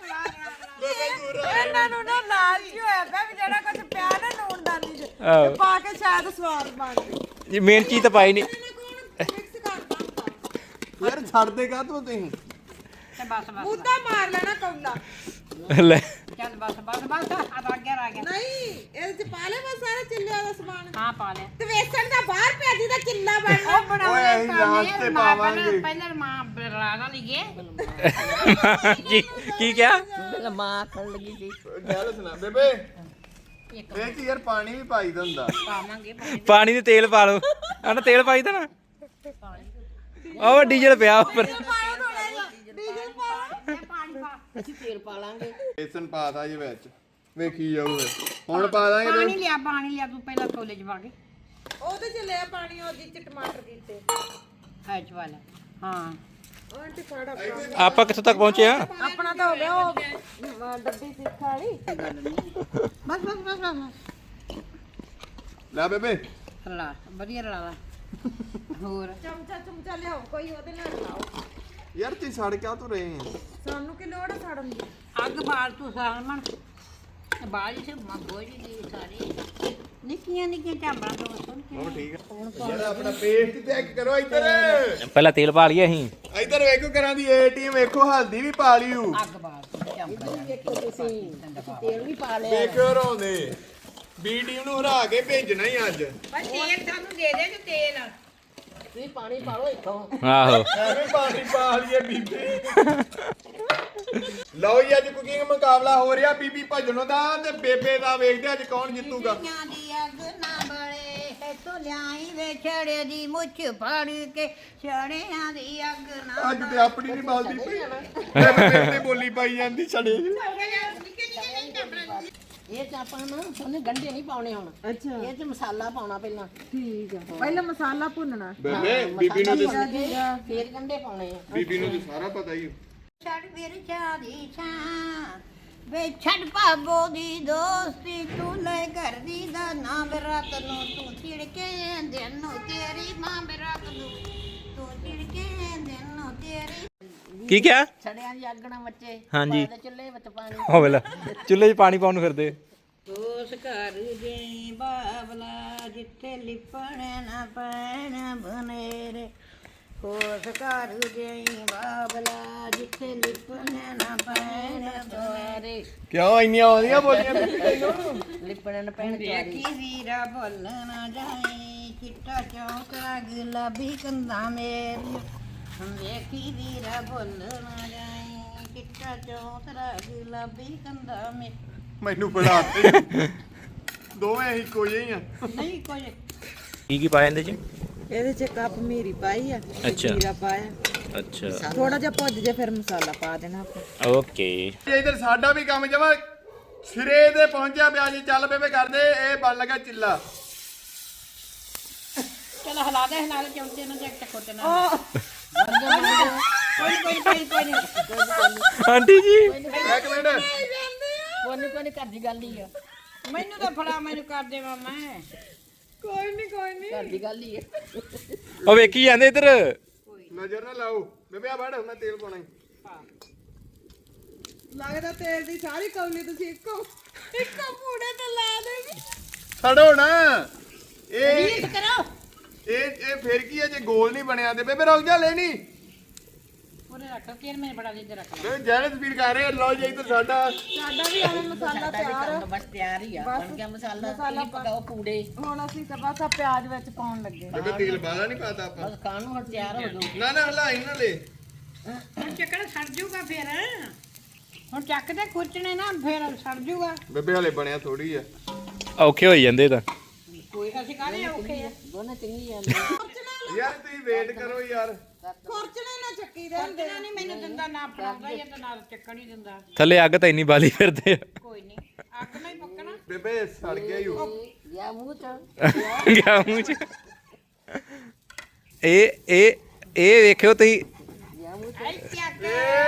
E: ਇਹਨਾਂ ਨੂੰ ਨਾ ਲਾਲਚ ਹੋਇਆ ਪਿਆ ਵੀ ਜਿਹੜਾ ਕੁਝ ਪਿਆ ਨਾ ਨੂਨਦਾਨੀ ਚ
C: ਆਹੋ।
E: ਤੇ ਪਾ ਕੇ ਸ਼ਾਇਦ ਸਵਾਦ ਬਣ ਜੇ।
C: ਜੀ ਮੇਨ ਚੀਜ਼ ਤਾਂ ਪਾਈ ਨਹੀਂ।
E: ਇਹਨਾਂ ਕੋਲ ਮਿਕਸ ਕਰਦਾ ਹੁੰਦਾ।
D: ਯਾਰ ਛੱਡ ਦੇ ਕਾ ਤੂੰ ਤੁਸੀਂ?
A: ਤੇ ਬਸ ਬਸ
E: ਮੁੱਦਾ ਮਾਰ ਲੈਣਾ ਕੌਲਾ।
C: ਲੈ
A: ਚੱਲ ਬਸ ਬਸ ਬਸ ਆ ਤਾਂ ਅੱਗੇ ਆ ਗਿਆ
E: ਨਹੀਂ ਇਹਦੇ ਚ ਪਾ ਲੈ ਬਸ ਸਾਰਾ ਚਿੱਲਿਆਂ ਦਾ ਸਮਾਨ।
A: ਹਾਂ ਪਾ ਲੈ
E: ਤੇ ਵੇਸਣ ਦਾ ਬਾਹਰ ਪਿਆ ਜਿਹਦਾ ਚਿੱਲਾ ਬਣਨਾ।
A: ਉਹ ਬਣਾਉਣੇ
D: ਓਏ, ਅਸੀਂ ਲਾਸਟ ਤੇ ਪਾਵਾਂਗੇ।
A: ਪਹਿਲਾਂ ਮਾਂ ਰਾਗਾ ਲਈਏ
C: ਕੀ ਕੀ ਕਿਹਾ?
B: ਪਹਿਲਾਂ ਮਾਂ ਆਖਣ ਲੱਗੀ ਸੀ
D: ਗੱਲ ਸੁਣਾ ਬੇਬੇ ਇਹ ਕੀ ਯਾਰ ਪਾਣੀ ਵੀ ਪਾਈਦਾ ਹੁੰਦਾ
A: ਪਾਵਾਂਗੇ ਪਾਣੀ
C: ਪਾਣੀ ਦੇ ਤੇਲ ਪਾ ਲਓ ਆ ਨਾ ਤੇਲ ਪਾਈ ਦਾ ਨਾ ਉਹ ਡੀਜ਼ਲ ਪਿਆ ਉੱਪਰ
A: ਡੀਜ਼ਲ ਪਾ ਪਾਣੀ ਪਾ
B: ਅਸੀਂ ਤੇਲ ਪਾ ਲਾਂਗੇ
D: ਬੇਸਨ ਪਾਤਾ ਜੀ ਵਿੱਚ ਵੇਖੀ ਜਾਊ ਫਿਰ। ਹੁਣ ਪਾ ਦਾਂਗੇ ਤੇ-
A: ਪਾਣੀ ਲਿਆ ਪਾਣੀ ਲਿਆ ਤੂੰ ਪਹਿਲਾਂ ਕੋਲੇ ਚ ਪਾ ਕੇ
E: ਉਹਦੇ ਚ ਲਿਆ ਪਾਣੀ ਉਹਦੇ ਚ ਟਮਾਟਰ ਕੀਤੇ
A: ਹੈ ਚਵਾਲਾ ਹਾਂ
E: ਆਂਟੀ ਫੜ ਆਪਣਾ
C: ਆਪਾਂ ਕਿੱਥੋਂ ਤੱਕ ਪਹੁੰਚੇ ਆ
E: ਆਪਣਾ ਤਾਂ ਹੋ ਗਿਆ ਉਹ ਅਹ, ਡੱਬੀ ਸਿੱਖ ਵਾਲੀ
A: ਬਸ ਬਸ ਬਸ ਬਸ
D: ਲੈ ਬੇਬੇ
A: ਰਲਾ ਵਧੀਆ ਰਲਾ ਲਾ ਹੋਰ
E: ਚਮਚਾ ਚਮਚਾ ਲਿਆਓ ਕੋਈ ਉਹਦੇ ਨਾਲ ਲਾਓ
D: ਯਾਰ ਤੁਸੀਂ ਸੜ ਕਿਉਂ ਤੂੰ ਰਹੇ ਆ
E: ਸਾਨੂੰ ਕੀ ਲੋੜ ਹੈ ਸਾੜਨ ਦੀ
A: ਅੱਗ ਬਾਲ ਤੂੰ ਸਾਲਮਨ ਬਾਜ ਸੇ ਮੰਗੋਈ ਦੀ ਸਾਰੀ ਨਿੱਕੀਆਂ ਨਿੱਕੀਆਂ ਝਾਂਬਰਾਂ ਤੋਂ ਸੁਣ ਕੇ
D: ਹੁਣ ਠੀਕ ਹੈ ਯਾਰ ਆਪਣਾ ਪੇਸਟ ਚੈੱਕ ਕਰੋ ਇੱਧਰ
C: ਪਹਿਲਾਂ ਤੇਲ ਪਾ ਲਈਏ ਅਸੀਂ
D: ਇੱਧਰ ਵੇਖੋ ਕਰਾਂ ਦੀ ਏਟੀਐਮ ਵੇਖੋ ਹਲਦੀ ਵੀ ਪਾ ਲਿਓ
A: ਅੱਗ ਬਾਲ ਤੂੰ ਝਾਂਬਰਾਂ
B: ਦੇਖੋ ਤੁਸੀਂ ਅਸੀਂ ਤੇਲ ਵੀ ਪਾ ਲਿਆ
D: ਵੇਖੋ ਰੋਂਦੇ ਬੀ ਟੀਮ ਨੂੰ ਹਰਾ ਕੇ ਭੇਜਣਾ ਹੀ ਅੱਜ
A: ਬਸ ਤੇਲ ਸਾਨੂੰ ਦੇ ਦੇ ਤੇ ਤੇਲ
B: ਤੁਸੀਂ ਪਾਣੀ ਪਾ ਲਓ ਇੱਥੋਂ
C: ਆਹੋ
D: ਐਵੇਂ ਪਾਣੀ ਪਾ ਲਈਏ ਬੀਬੀ ਲਓ ਜੀ ਅੱਜ ਕੁਕਿੰਗ ਮੁਕਾਬਲਾ ਹੋ ਰਿਹਾ ਬੀਬੀ ਭਜਨੋਂ ਦਾ ਤੇ ਬੇਬੇ ਦਾ ਵੇਖਦੇ ਅੱਜ ਕੌਣ ਜਿੱਤੂਗਾ
A: ਆਂ ਦੀ ਅੱਗ ਨਾ ਬਲੇ ਇਤੋਂ ਲਿਆਈ ਵੇ ਛੜੇ ਦੀ ਮੁੱਛ ਫੜ ਕੇ ਛੜਿਆਂ ਦੀ ਅੱਗ ਨਾ
D: ਅੱਜ ਤੇ ਆਪਣੀ ਨਹੀਂ ਬਲਦੀ ਪਈ ਬੇਬੇ ਤੇ ਬੋਲੀ ਪਾਈ ਜਾਂਦੀ ਛੜੇ
B: ਇਹ ਚ ਆਪਾਂ ਨਾ ਉਹਨੇ ਗੰਢੇ ਨਹੀਂ ਪਾਉਣੇ ਹੁਣ
E: ਅੱਛਾ
B: ਇਹ ਚ ਮਸਾਲਾ ਪਾਉਣਾ ਪਹਿਲਾਂ
E: ਠੀਕ ਹੈ ਪਹਿਲਾਂ ਮਸਾਲਾ ਭੁੰਨਣਾ
D: ਬੇਬੇ ਬੀਬੀ ਨੂੰ ਤੇ
B: ਫੇਰ ਗੰਢੇ ਪਾਉਣੇ ਆ
D: ਬੀਬੀ ਨੂੰ ਤੇ ਸਾਰਾ ਪਤਾ ਹੀ
A: ਛੜ ਵੀਰ ਚਾਦੀ ਛਾਂ ਵੇ ਛੜ ਭਾਬੋ ਦੀ ਦੋਸਤੀ ਤੂੰ ਲੈ ਕਰਦੀ ਦਾ ਨਾਮ ਰਾਤ ਨੂੰ ਤੂੰ ਛਿੜਕੇ ਦਿਨ ਨੂੰ ਤੇਰੀ ਮਾਂ ਰਾਤ ਨੂੰ ਤੂੰ ਛਿੜਕੇ ਦਿਨ ਨੂੰ ਤੇਰੀ
C: ਕੀ ਕਿਹਾ
B: ਛੜਿਆਂ ਦੀ ਅੱਗ ਨਾ ਮੱਚੇ
C: ਹਾਂਜੀ।
B: ਪਾ ਦੇ ਚੁੱਲ੍ਹੇ ਵਿੱਚ ਪਾਣੀ
C: ਹੋ ਵੇਲਾ ਚੁੱਲ੍ਹੇ 'ਚ ਪਾਣੀ ਪਾਉਣ ਨੂੰ ਫਿਰਦੇ
A: ਉਸ ਘਰ ਦੇ ਬਾਬਲਾ ਜਿੱਥੇ ਲਿਪਣ ਨਾ ਪੈਣ ਬਨੇਰੇ ਉਸ ਘਰ ਦੇ ਬਾਬਲਾ ਜਿੱਥੇ ਲਿਪਣ ਨਾ ਪੈਣ ਬਨੇਰੇ
D: ਕਿਉਂ ਇੰਨੀਆਂ ਆਉਂਦੀਆਂ ਬੋਲੀਆਂ ਬੀਬੀ ਤੈਨੂੰ
B: ਲਿਪਣ ਪੈਣ ਚਾਰੀ
A: ਦੇਖੀ ਵੀਰਾ ਭੁੱਲ ਨਾ ਜਾਈ ਚਿੱਟਾ ਚੌਕ ਗੁਲਾਬੀ ਕੰਧਾਂ ਮੇਰੀਆਂ ਦੇਖੀ ਵੀਰਾ ਭੁੱਲ ਨਾ ਜਾਈ ਚਿੱਟਾ ਚੌਕ ਗੁਲਾਬੀ ਕੰਧਾਂ ਮੇ
D: ਮੈਨੂੰ ਪੜਾ ਤੇ ਦੋਵੇਂ ਹੀ ਕੋਈ ਹੀ ਆ
A: ਨਹੀਂ ਕੋਈ
C: ਕੀ ਕੀ ਪਾਇਆ ਇਹਦੇ 'ਚ
E: ਇਹਦੇ ਚ ਕੱਪ ਮੀਰੀ ਪਾਈ ਆ ਤੇ
C: ਅੱਛਾ।
E: ਜੀਰਾ ਪਾਇਆ
C: ਅੱਛਾ
E: ਥੋੜਾ ਜਿਹਾ ਭੁੱਜ ਜੇ ਫਿਰ ਮਸਾਲਾ ਪਾ ਦੇਣਾ ਆਪਾਂ
C: ਓਕੇ
D: ਤੇ ਇਧਰ ਸਾਡਾ ਵੀ ਕੰਮ ਜਮਾ ਸਿਰੇ ਤੇ ਪਹੁੰਚਿਆ ਪਿਆ ਜੀ ਚੱਲ ਬੇਬੇ ਕਰਦੇ ਇਹ ਬਣ ਲੱਗਾ ਚਿੱਲਾ
A: ਚਲ ਹਲਾ ਦੇ ਹਲਾ ਦੇ ਚਮਚੇ ਨਾਲ ਚੱਕ ਟਕੋ ਤੇ ਨਾਲ ਕੋਈ ਕੋਈ ਕੋਈ ਕੋਈ ਨਹੀਂ
C: ਆਂਟੀ ਜੀ
D: ਇੱਕ ਮਿੰਟ
B: ਕੋਨੀ ਕੋਨੀ ਘਰ ਦੀ ਗੱਲ ਹੀ ਆ
A: ਮੈਨੂੰ ਤਾਂ ਫੜਾ ਮੈਨੂੰ ਕਰ ਦੇ ਮਾਮਾ
E: ਕੋਈ ਨਹੀਂ ਕੋਈ ਨਹੀਂ
B: ਘਰ ਦੀ ਗੱਲ ਹੀ ਆ
C: ਉਹ ਵੇਖੀ ਜਾਂਦੇ ਇੱਧਰ
D: ਨਜ਼ਰ ਨਾ ਲਾਓ ਬੇਬੇ ਆ ਵੜ ਮੈਂ ਤੇਲ ਪਾਉਣਾ ਈ।
E: ਲੱਗਦਾ ਤੇਲ ਦੀ ਸਾਰੀ ਕੌਲੀ ਤੁਸੀਂ ਇੱਕੋ ਇੱਕੋ ਪੂੜੇ ਤੇ ਲਾ ਦੇਗੀ
D: ਛੱਡੋ ਨਾ ਇਹ
A: ਰੀਤ ਕਰੋ
D: ਇਹ ਇਹ ਫਿਰ ਕੀ ਹੈ ਜੇ ਗੋਲ ਨਹੀਂ ਬਣਿਆ ਤੇ ਬੇਬੇ ਰੁਕ ਜਾ ਲੈਣੀ
A: ਪੂਰੇ ਰੱਖ ਤੇਲ ਮੈਨੂੰ ਬੜਾ ਦੇ ਦੇ ਰੱਖ
D: ਬੇਬੇ ਜੈਨ ਸਪੀਡ ਕਰ ਰਹੇ ਆ, ਲਓ ਜੀ ਇੱਧਰ ਸਾਡਾ
E: ਸਾਡਾ ਵੀ ਆਹ ਮਸਾਲਾ ਤਿਆਰ ਆ।
B: ਬਸ ਤਿਆਰ ਹੀ ਆ ਬਣ ਗਿਆ ਮਸਾਲਾ ਮਸਾਲਾ ਪਕਾਓ ਪੂੜੇ
E: ਹੁਣ ਅਸੀਂ ਤਾਂ ਬਸ ਆ ਪਿਆਜ਼ ਵਿੱਚ ਪਾਉਣ ਲੱਗੇ
D: ਬੇਬੇ ਤੇਲ ਬਾਲਾ ਨਹੀਂ ਪਾਤਾ ਆਪਾਂ
B: ਬਸ ਖਾਣ ਨੂੰ ਹੁਣ ਤਿਆਰ ਹੋ ਜਾਓ
D: ਨਾ ਨਾ ਹਲਾਈ ਨਾ ਲੈ
A: ਹੁਣ ਚੱਕਣਾ ਸੜ ਜਾਊਗਾ ਫਿਰ ਹੁਣ ਚੱਕ ਦੇ ਖੁਰਚਣੇ ਨਾ ਫਿਰ ਸੜ ਜਾਊਗਾ
D: ਬੇਬੇ ਹਲੇ ਬਣਿਆ ਥੋੜੀ ਆ
C: ਔਖੇ ਹੋਈ ਜਾਂਦੇ ਤਾਂ
A: ਕੋਈ ਅਸੀਂ ਕਾਹਦੇ ਔਖੇ ਆ
B: ਦੋਨੇ ਚੰਗੀ ਜਾਂਦੇ
D: ਯਾਰ ਤੁਸੀਂ ਵੇਟ ਕਰੋ ਯਾਰ
E: ਖੁਰਚਣੇ ਨਾ ਚੱਕੀ ਦੇ ਹੁੰਦੇ
A: ਖੁਰਚਣਾ ਨਹੀਂ ਮੈਨੂੰ ਦਿੰਦਾ ਨਾ ਪੜਾਉਂਦਾ ਇਹ ਤਾਂ ਨਾ ਚੱਕਣ ਹੀ ਦਿੰਦਾ
C: ਥੱਲੇ ਅੱਗ ਤਾਂ ਇੰਨੀ ਬਾਲੀ ਫਿਰਦੇ ਆ
A: ਕੋਈ ਨਹੀਂ ਅੱਗ ਨਹੀਂ ਪੱਕਣਾ
D: ਬੇਬੇ ਸੜ ਗਿਆ ਹੀ ਉਹ
B: ਯਾ ਮੂੰਹ ਚ
C: ਗਿਆ ਮੂੰਹ 'ਚ ਇਹ ਇਹ ਇਹ ਵੇਖਿਓ ਤੁਸੀਂ
B: ਯਾ ਮੂੰਹ
A: ਐ ਚੱਕ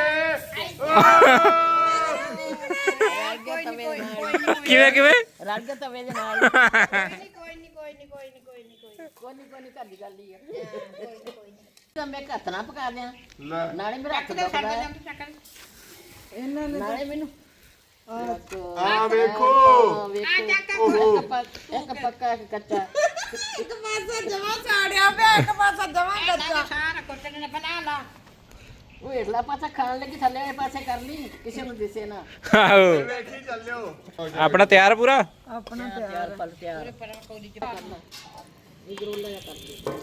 B: ਚ
A: ਕੋਈ ਨਹੀਂ ਕੋਈ ਨਹੀਂ ਕੋਈ ਨਹੀਂ
C: ਕਿਵੇਂ ਕਿਵੇਂ
B: ਰੜ ਗਿਆ ਤਵੇ ਦੇ ਨਾਲ
A: ਕੋਈ ਨਹੀਂ ਕੋਈ ਨਹੀਂ ਕੋਈ ਨਹੀਂ ਕੋਈ ਨਹੀਂ ਕੋਈ
B: ਕੋਨੀ ਕੋਨੀ ਘਰ ਦੀ ਗੱਲ ਹੀ ਆ ਤਾਂ ਮੈਂ ਹੱਥ ਨਾ ਪਕਾ ਦਿਆਂ
D: ਲੈ
B: ਨਾਲੇ ਮੇਰਾ ਹੱਥ
A: ਚੱਕ ਦੇ ਸੜ
B: ਦੁਖਦਾ
A: ਜਾਂਦੇ ਚੱਕਣ
E: ਇਹਨਾਂ ਨੇ
B: ਨਾਲੇ ਮੈਨੂੰ
D: ਆ ਵੇਖੋ
B: ਆ ਵੇਖੋ ਇੱਕ ਪੱਕ- ਇੱਕ ਪੱਕਾ ਇੱਕ ਕੱਚਾ
E: ਇੱਕ ਪਾਸਾ ਜਮਾ ਸਾੜਿਆ ਪਿਆ ਇੱਕ ਪਾਸਾ ਜਮਾ
A: ਕੱਚਾ ਸਾਰਾ ਖੁਰਚਣੇ ਨੇ ਬਣਾ ਲਾ
B: ਉਹ ਹੇਠਲਾ ਪਾਸਾ ਖਾਣ ਲੱਗੀ ਥੱਲੇ ਵਾਲੇ ਪਾਸੇ ਕਰ ਲਈ ਕਿਸੇ ਨੂੰ ਦਿਸੇ ਨਾ
C: ਆਹੋ
D: ਵੇਖੀ ਚੱਲਿਓ
C: ਆਪਣਾ ਤਿਆਰ ਪੂਰਾ
E: ਆਪਣਾ
B: ਤਿਆਰ ਪਲ ਤਿਆਰ
A: ਪਰ ਕੋਈ ਚ ਕਰਨਾ
B: ਇਹ ਗਰੋਲਾ ਜਿਹਾ ਕਰ ਲਈ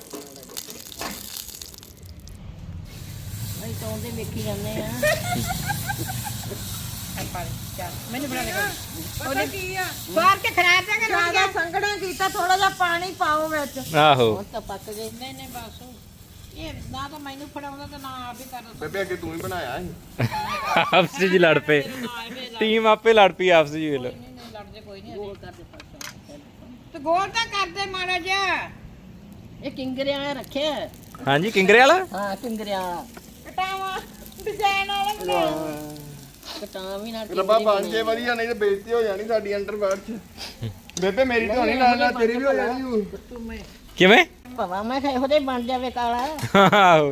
B: ਅਸੀਂ ਤਾਂ ਉਹਦੇ ਵੇਖੀ ਜਾਂਦੇ ਆ
A: ਪਾ ਦੇ ਚੱਲ ਮੈਨੂੰ ਬਣਾ ਦੇ
E: ਪਤਾ ਕੀ ਆ
A: ਬਾਹਰ ਕੇ ਖਰਾਬ ਤਾਂ ਕਰ
E: ਜ਼ਿਆਦਾ ਸੰਘਣਾ ਕੀਤਾ ਥੋੜਾ ਜਿਹਾ ਪਾਣੀ ਪਾਓ ਵਿੱਚ
C: ਆਹੋ
B: ਹੁਣ ਤਾਂ ਪੱਕ ਗਏ
A: ਨਹੀਂ ਨਹੀਂ ਬਸ ਇਹ ਨਾ ਤਾਂ ਮੈਨੂੰ ਫੜਾਉਂਦਾ ਤੇ ਨਾ ਆਪ ਹੀ ਕਰਦਾ
D: ਬੇਬੇ ਅੱਗੇ ਤੂੰ ਹੀ ਬਣਾਇਆ ਸੀ
C: ਆਪਸ ਵਿੱਚ ਹੀ ਲੜ ਪਏ ਟੀਮ ਆਪੇ ਲੜ ਪਈ ਆਪਸ ਵਿੱਚ ਵੇਖ ਲਓ
A: ਨਹੀਂ ਨਹੀਂ ਲੜਦੇ ਕੋਈ ਨਹੀਂ
B: ਗੋਲ ਕਰਦੇ ਪਾਸਾ
A: ਤੇ ਗੋਲ ਤਾਂ ਕਰਦੇ ਮਾੜਾ ਜਿਹਾ
B: ਇਹ ਕਿੰਗਰਿਆਂ ਵਾਲਾ ਰੱਖਿਆ
C: ਹਾਂਜੀ ਕਿੰਗਰੇ ਵਾਲਾ
B: ਹਾਂ ਕਿੰਗਰਿਆਂ ਵਾਲਾ
E: ਕਟਾਵਾ ਡਿਜ਼ਾਈਨ ਵਾਲਾ ਬਣਾ
B: ਕਟਾਂ ਵੀ ਨਾਲ
D: ਰੱਬਾ ਬਣ ਜੇ ਵਧੀਆ ਨਹੀਂ ਤੇ ਬੇਇੱਜ਼ਤੀ ਹੋ ਜਾਣੀ ਸਾਡੀ ਅੰਡਰਵਰਡ 'ਚ ਬੇਬੇ ਮੇਰੀ ਤਾਂ ਹੋਣੀ ਨਾਲ ਨਾਲ ਤੇਰੀ ਵੀ ਹੋ ਜਾਣੀ ਓ।
C: ਕਿਵੇਂ
B: ਭਵਾ ਮੈਂ ਕਿਹਾ ਇਹੋ ਜਿਹਾ ਹੀ ਬਣ ਜਾਵੇ ਕਾਲਾ
C: ਆਹੋ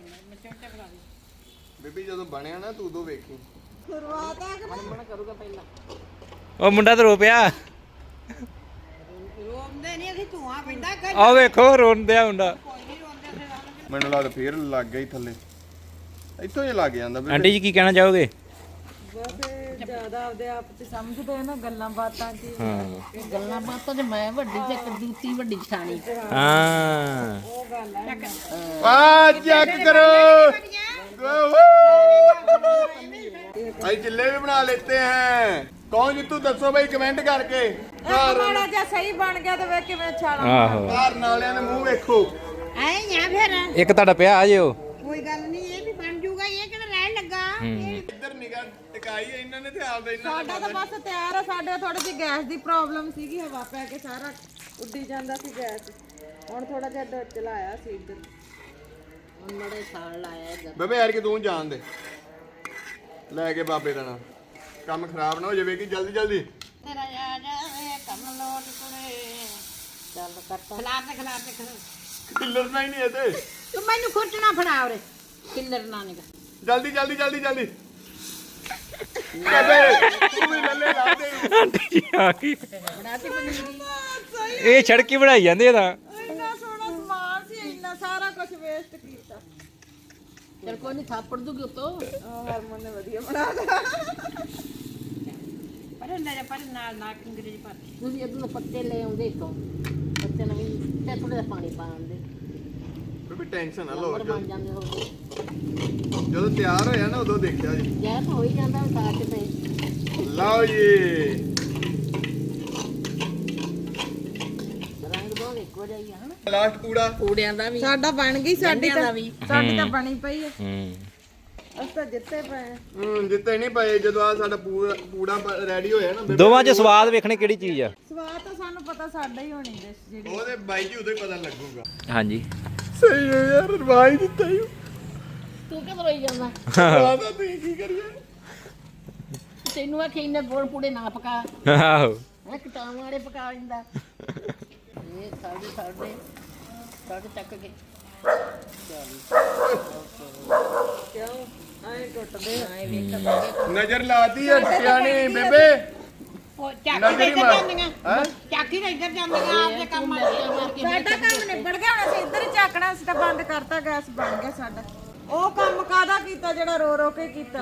D: ਬੇਬੀ ਜਦੋਂ ਬਣਿਆ ਨਾ ਤੂੰ ਉਦੋਂ ਵੇਖੀ
E: ਸ਼ੁਰੂਆਤ ਆ ਕਿ
B: ਮਨ ਕਰੂਗਾ ਪਹਿਲਾਂ
C: ਉਹ ਮੁੰਡਾ ਤਾਂ ਰੋ ਪਿਆ
A: ਰੋਂਦੇ ਨਹੀਂ ਅਸੀਂ ਧੂਆਂ ਪੈਂਦਾ ਕਰ
C: ਆਹ ਵੇਖੋ ਰੋਂਦਿਆ ਮੁੰਡਾ
A: ਕੋਈ ਨਹੀਂ ਰੋਂਦੇ ਫਿਰ
D: ਮੈਨੂੰ ਲੱਗਦਾ ਫੇਰ ਲੱਗ ਗਈ ਥੱਲੇ ਇੱਥੋਂ ਹੀ ਲੱਗ ਜਾਂਦਾ ਬੇਬੇ
C: ਆਂਟੀ ਜੀ ਕੀ ਕਹਿਣਾ ਚਾਹੋਗੇ
E: ਬਸ ਜ਼ਿਆਦਾ ਆਪਦੇ ਆਪ ਤੇ ਸਮਝਦੇ ਆ ਨਾ ਗੱਲਾਂ ਬਾਤਾਂ ਕੀ
C: ਹਾਂ
B: ਇਹ ਗੱਲਾਂ ਬਾਤਾਂ ਤੇ ਮੈਂ ਵੱਡੀ ਤੇ ਕਦੂਤੀ ਵੱਡੀ ਛਾਣੀ
C: ਹਾਂ
E: ਉਹ ਗੱਲ ਆ
D: ਆ ਚੈੱਕ ਕਰੋ भाई चिल्ले भी बना लेते हैं कौन जीतू दसो भाई कमेंट करके
E: ਮਾੜਾ ਜਿਹਾ ਸਹੀ ਬਣ ਗਿਆ ਤੇ ਵੇਖ ਕਿਵੇਂ ਛਾਲਾ
C: ਆਹੋ
D: बाहर नालियां दे मुंह वेखो
A: ਐ ਜਾਂ ਫਿਰ
C: ਇੱਕ ਤੁਹਾਡਾ ਪਿਆ ਆ ਜਿਓ
A: ਕੋਈ ਗੱਲ ਨਹੀਂ ਇਹ ਵੀ ਬਣ ਜੂਗਾ ਇਹ ਕਿਹੜਾ ਰਹਿਣ ਲੱਗਾ ਇਹ
D: इधर निगाह टिकाई है इन्होंने थे आप इन्होंने
E: ਸਾਡਾ ਤਾਂ ਬਸ ਤਿਆਰ ਆ ਸਾਡੇ ਥੋੜੀ ਜਿਹੀ ਗੈਸ ਦੀ ਪ੍ਰੋਬਲਮ ਸੀਗੀ ਹਵਾ ਪੈ ਕੇ ਸਾਰਾ ਉੱਡੀ ਜਾਂਦਾ ਸੀ ਗੈਸ ਹੁਣ ਥੋੜਾ ਜਿਹਾ ਡ- ਚਲਾਇਆ ਸੀ ਇੱਧਰ
B: ਹੁਣ ਮੜੇ ਸਾਲ ਲਾਇਆ ਇੱਧਰ
D: ਬੇਬੇ ਯਾਰ ਕਿ ਤੂੰ ਜਾਣ ਦੇ ਲੈ ਕੇ ਬਾਬੇ ਦਾ ਨਾਮ ਕੰਮ ਖਰਾਬ ਨਾ ਹੋ ਜਾਵੇ ਕਿ ਜਲਦੀ ਜਲਦੀ
A: ਤੇਰਾ ਆ ਜਾਵੇ ਕੰਮ ਲੋਟ ਕੁੜੇ
B: ਚੱਲ ਕਰਤਾ
A: ਖਲਾਰ ਤੇ ਖਲਾਰ ਤੇ ਖਲਾਰ
D: ਕਿੱਲਰ ਨਾ ਹੀ ਨਹੀਂ ਇਹਦੇ
A: ਤੂੰ ਮੈਨੂੰ ਖੁਰਚਣਾ ਫੜਾ ਉਰੇ ਕਿੱਲਰ ਨਾ ਨਿਕਾ
D: ਜਲਦੀ ਜਲਦੀ ਜਲਦੀ ਜਲਦੀ ਬੇਬੇ ਤੂੰ ਵੀ ਲੱਲੇ ਲਾ ਦੇ
C: ਆਂਟੀ ਜੀ ਆ ਗਈ
B: ਬਣਾਤੀ ਪਨੀਰੀ
C: ਇਹ ਛੜਕੀ ਬਣਾਈ ਜਾਂਦੇ ਆ ਤਾਂ
E: ਇੰਨਾ ਸੋਹਣਾ ਸਮਾਨ ਸੀ ਇੰਨਾ ਸਾਰਾ ਕੁਝ ਵੇਸਟ ਕੀਤਾ
B: ਚਲ ਕੋਈ ਨਹੀਂ ਥਾਪੜ ਦੂਗੀ ਉਤੋਂ
E: ਆਹ ਹਰਮਨ ਨੇ ਵਧੀਆ ਬਣਾ ਦਿੱਤਾ
A: ਪਰ ਨਾ ਪਰ ਨਾਲ ਨਾ ਅੰਗਰੇਜ਼ੀ ਪਾ
B: ਤੁਸੀਂ ਇਧਰੋਂ ਪੱਤੇ ਲੈ ਆਉਂਦੇ ਇੱਥੋਂ ਪੱਤੇ ਨਵੀਂ ਤੇ ਥੋੜਾ ਜਿਹਾ ਪਾਣੀ ਪਾ ਆਉਂਦੇ
D: ਬੇਬੇ ਟੈਨਸ਼ਨ ਨਾ ਲਓ
B: ਨੰਬਰ ਬਣ ਜਾਂਦੇ ਹੋ
D: ਜਦੋਂ ਤਿਆਰ ਹੋਇਆ ਨਾ ਉਦੋਂ ਦੇਖਿਆ ਜੀ
B: ਯਾਰ ਤਾਂ ਹੋ ਹੀ ਜਾਂਦਾ ਸਾਥ ਤੇ
D: ਲਓ ਜੀ
B: ਰੰਗ ਦੋ ਇੱਕੋ ਜਿਹਾ ਹੀ ਆ ਹਨਾ
D: ਲਾਸਟ ਕੂੜਾ
B: ਕੂੜਿਆਂ ਦਾ ਵੀ
E: ਸਾਡਾ ਬਣ ਗਈ ਸਾਡੀ
B: ਗੰਢਿਆਂ ਦਾ
E: ਤਾਂ
B: ਵੀ
E: ਸਾਡੀ ਤਾਂ ਬਣੀ ਪਈ ਹੈ
C: ਹੂੰ
E: ਅਸੀਂ ਤਾਂ ਜਿੱਤੇ ਪਏ ਆ
D: ਹੂੰ ਜਿੱਤੇ ਨਹੀਂ ਪਏ ਜਦੋਂ ਆ ਸਾਡਾ ਪੂਰਾ ਪੂੜਾ ਰੈਡੀ ਹੋਇਆ ਨਾ ਬੇਬੇ
C: ਦੋਵਾਂ 'ਚ ਸਵਾਦ ਵੇਖਣੇ ਕਿਹੜੀ ਚੀਜ਼ ਆ
E: ਸਵਾਦ ਤਾਂ ਸਾਨੂੰ ਪਤਾ ਸਾਡਾ ਹੀ ਹੋਣੀ ਡਿਸ਼ ਜਿਹੜੀ
D: ਉਹਦੇ ਬਾਈ ਜੀ ਉਦੋਂ ਹੀ ਪਤਾ ਲੱਗੂਗਾ
C: ਹਾਂਜੀ
D: ਸਹੀ ਹੈ ਯਾਰ ਰਵਾਈ ਦਿੱਤਾ ਹੀ
B: ਤੂੰ ਕਿਉਂ ਰੋਈ ਜਾਂਦਾ
D: ਆਦਾ ਤੁਸੀਂ ਕੀ ਕਰੀਏ
B: ਤੈਨੂੰ ਆਖੀ ਇਹਨੇ ਗੋਲ ਪੂੜੇ ਨਾ ਪਕਾ
C: ਆਹੋ
B: ਹੈ ਕਟਾਵਾਂ ਵਾਲੇ ਪਕਾ ਲੈਂਦਾ ਇਹ ਸਾਡੇ ਸਾਡੇ ਸਾਡੇ ਚੱਕ ਕੇ
E: ਕਿਉਂ ਐਂ ਟੁੱਟਦੇ
B: ਆਏ ਵੇਖ ਲੱਗੇ
D: ਨਜ਼ਰ ਲਾਤੀ ਹੈ ਟਿਆਣੀ ਬੇਬੇ
A: ਉਹ ਚਾਕੀ
D: ਨਜ਼ਰ
A: ਤੇ
D: ਹੀ
A: ਇੱਧਰ
D: ਮਾਰ
A: ਜਾਂਦੀਆਂ
D: ਹੈ
A: ਚਾਕੀ ਤੇ ਇੱਧਰ ਜਾਂਦੀਆਂ ਆਪਦੇ ਕੰਮ ਆ
E: ਸਾਡਾ ਕੰਮ ਨਿਬੜ ਗਿਆ ਹੁਣ ਅਸੀਂ ਇੱਧਰ ਹੀ ਝਾਕਣਾ ਸੀ ਤਾਂ ਬੰਦ ਕਰਤਾ ਗੈਸ ਬਣ ਗਿਆ ਸਾਡਾ ਉਹ ਕੰਮ ਕਾਦਾ ਕੀਤਾ ਜਿਹੜਾ ਰੋ ਰੋ ਕੇ ਕੀਤਾ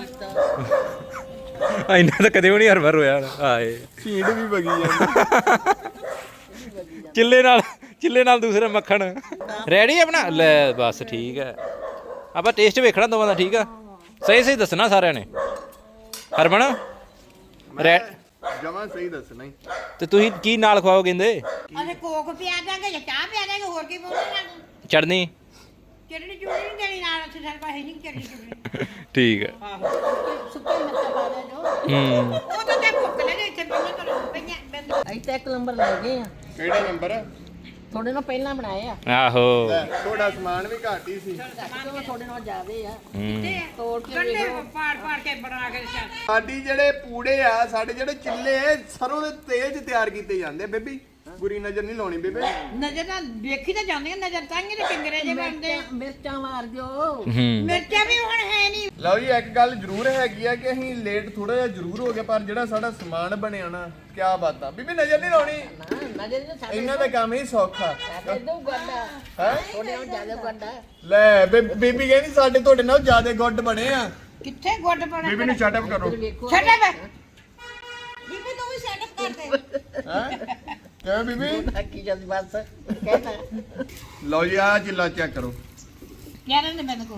C: ਇੰਨਾ ਤਾਂ ਕਦੇ ਵੀ ਨਹੀਂ ਹਰ ਵਾਰ ਹੋਇਆ ਆਏ
D: ਸੀਡ ਵੀ ਵਗੀ ਜਾਂਦੀ
C: ਚਿੱਲੇ ਨਾਲ ਚਿੱਲੇ ਨਾਲ ਦੂਸਰਾ ਮੱਖਣ ਰੈਡੀ ਆਪਣਾ ਲੈ ਬਸ ਠੀਕ ਹੈ ਆਪਾਂ ਟੇਸਟ ਵੇਖਣਾ ਦੋਵਾਂ ਦਾ ਠੀਕ ਆ ਸਹੀ ਸਹੀ ਦੱਸਣਾ ਸਾਰਿਆਂ ਨੇ ਹਰਮਨ ਰੈ
D: ਜਮਾ ਸਹੀ ਦੱਸਣਾ ਹੀ
C: ਤੇ ਤੁਸੀਂ ਕੀ ਨਾਲ ਖਵਾਓ ਕਹਿੰਦੇ
A: ਅਸੀਂ ਕੋਕ ਪਿਆ ਦਾਂਗੇ ਜਾਂ ਚਾਹ ਪਿਆ ਦਾਂਗੇ ਹੋਰ ਕੀ ਬੋਲਣਾ
C: ਚੜਨੀ
A: ਚਟਣੀ ਚੁੜੀ ਨਹੀਂ ਦੇਣੀ ਨਾਲ ਅਸੀਂ ਸਾਡੇ ਪਾਸੇ ਨਹੀਂ ਚਟਣੀ ਚੁੜੀ
C: ਠੀਕ ਹੈ
A: ਆਹੋ
B: ਸੁੱਕੇ ਮਿਰਚਾਂ ਪਾ ਦੇ ਜੋ
C: ਹੂੰ
A: ਉਹ ਤਾਂ ਤੇ ਭੁੱਖ ਲੱਗੇ ਇੱਥੇ ਪਈਆਂ ਕਰ ਪਈਆਂ ਬੰਦ
B: ਅਸੀਂ ਤਾਂ ਇੱਕ ਨੰਬਰ ਲੈ ਗਏ ਆ
D: ਕਿਹੜਾ ਨੰਬਰ
B: ਥੋੜੇ ਨਾਲ ਪਹਿਲਾਂ ਬਣਾਏ ਆ
C: ਆਹੋ
D: ਥੋੜਾ ਸਮਾਨ ਵੀ ਘੱਟ ਹੀ ਸੀ
B: ਕਿਉਂ ਥੋੜੇ ਨਾਲ ਜ਼ਿਆਦੇ ਆ
C: ਹੂੰ
B: ਤੋੜ ਕੇ
A: ਗੰਡੇ
B: ਵੇਖੋ
A: ਪਾੜ ਪਾੜ ਕੇ ਬਣਾ ਕੇ ਚੱਲ
D: ਸਾਡੀ ਜਿਹੜੇ ਪੂੜੇ ਆ ਸਾਡੇ ਜਿਹੜੇ ਚਿੱਲੇ ਸਰੋਂ ਦੇ ਤੇਲ 'ਚ ਤਿਆਰ ਕੀਤੇ ਜਾਂਦੇ ਆ ਬੇਬੀ ਬੁਰੀ ਨਜ਼ਰ ਨਹੀਂ ਲਾਉਣੀ ਬੇਬੇ
A: ਨਜ਼ਰ ਨਾਲ ਵੇਖੀ ਤਾਂ ਜਾਂਦੀਆਂ ਨਜ਼ਰ ਤਾਂ ਹੀ ਤੇ ਕਿੰਗਰੇ ਜੇ ਬਣਦੇ
B: ਮਿਰਚਾਂ ਮਿਰਚਾਂ ਮਾਰ ਦਿਓ
C: ਹੂੰ
A: ਮਿਰਚਾਂ ਵੀ ਹੁਣ ਹੈ ਨਹੀਂ
D: ਲਓ ਜੀ ਇੱਕ ਗੱਲ ਜ਼ਰੂਰ ਹੈਗੀ ਆ ਕਿ ਅਸੀਂ ਲੇਟ ਥੋੜਾ ਜਿਹਾ ਜ਼ਰੂਰ ਹੋ ਗਏ ਪਰ ਜਿਹੜਾ ਸਾਡਾ ਸਮਾਨ ਬਣਿਆ ਨਾ ਕੀ ਬਾਤ ਆ ਬੀਬੀ ਨਜ਼ਰ ਨਹੀਂ ਲਾਉਣੀ
B: ਨਾ ਨਜ਼ਰ ਨਾ ਸਾਡੇ
D: ਇਹਨਾਂ ਦਾ ਕੰਮ ਹੀ ਸੌਖਾ
B: ਇਦੋਂ ਗੱਡਾ
D: ਹੈ
B: ਥੋੜੇ ਨਾਲ ਜ਼ਿਆਦਾ ਗੱਡਾ
D: ਲੈ ਬੇ- ਬੀਬੀ ਕਹਿੰਦੀ ਸਾਡੇ ਤੁਹਾਡੇ ਨਾਲ ਜ਼ਿਆਦਾ ਗੁੱਡ ਬਣੇ ਆ
A: ਕਿੱਥੇ ਗੁੱਡ ਬਣੇ
D: ਬੀਬੀ ਨੂੰ ਸ਼ਟ ਅਪ ਕਰੋ
B: ਵੇਖੋ
A: ਛੱਡੇ ਵੇ
E: ਬੀਬੀ ਤੂੰ ਵੀ ਸੈਟਅਪ ਕਰ ਦੇ
D: ਹੈ ਕਿਵੇਂ ਬੀਬੀ
B: ਕੀ ਜਦ ਬਸ ਕਹਿਣਾ
D: ਲਓ ਜੀ ਆ ਚਿੱਲਾ ਚੈੱਕ ਕਰੋ
A: ਯਾਰ ਨੇ ਮੈਨੂੰ ਕੋਲ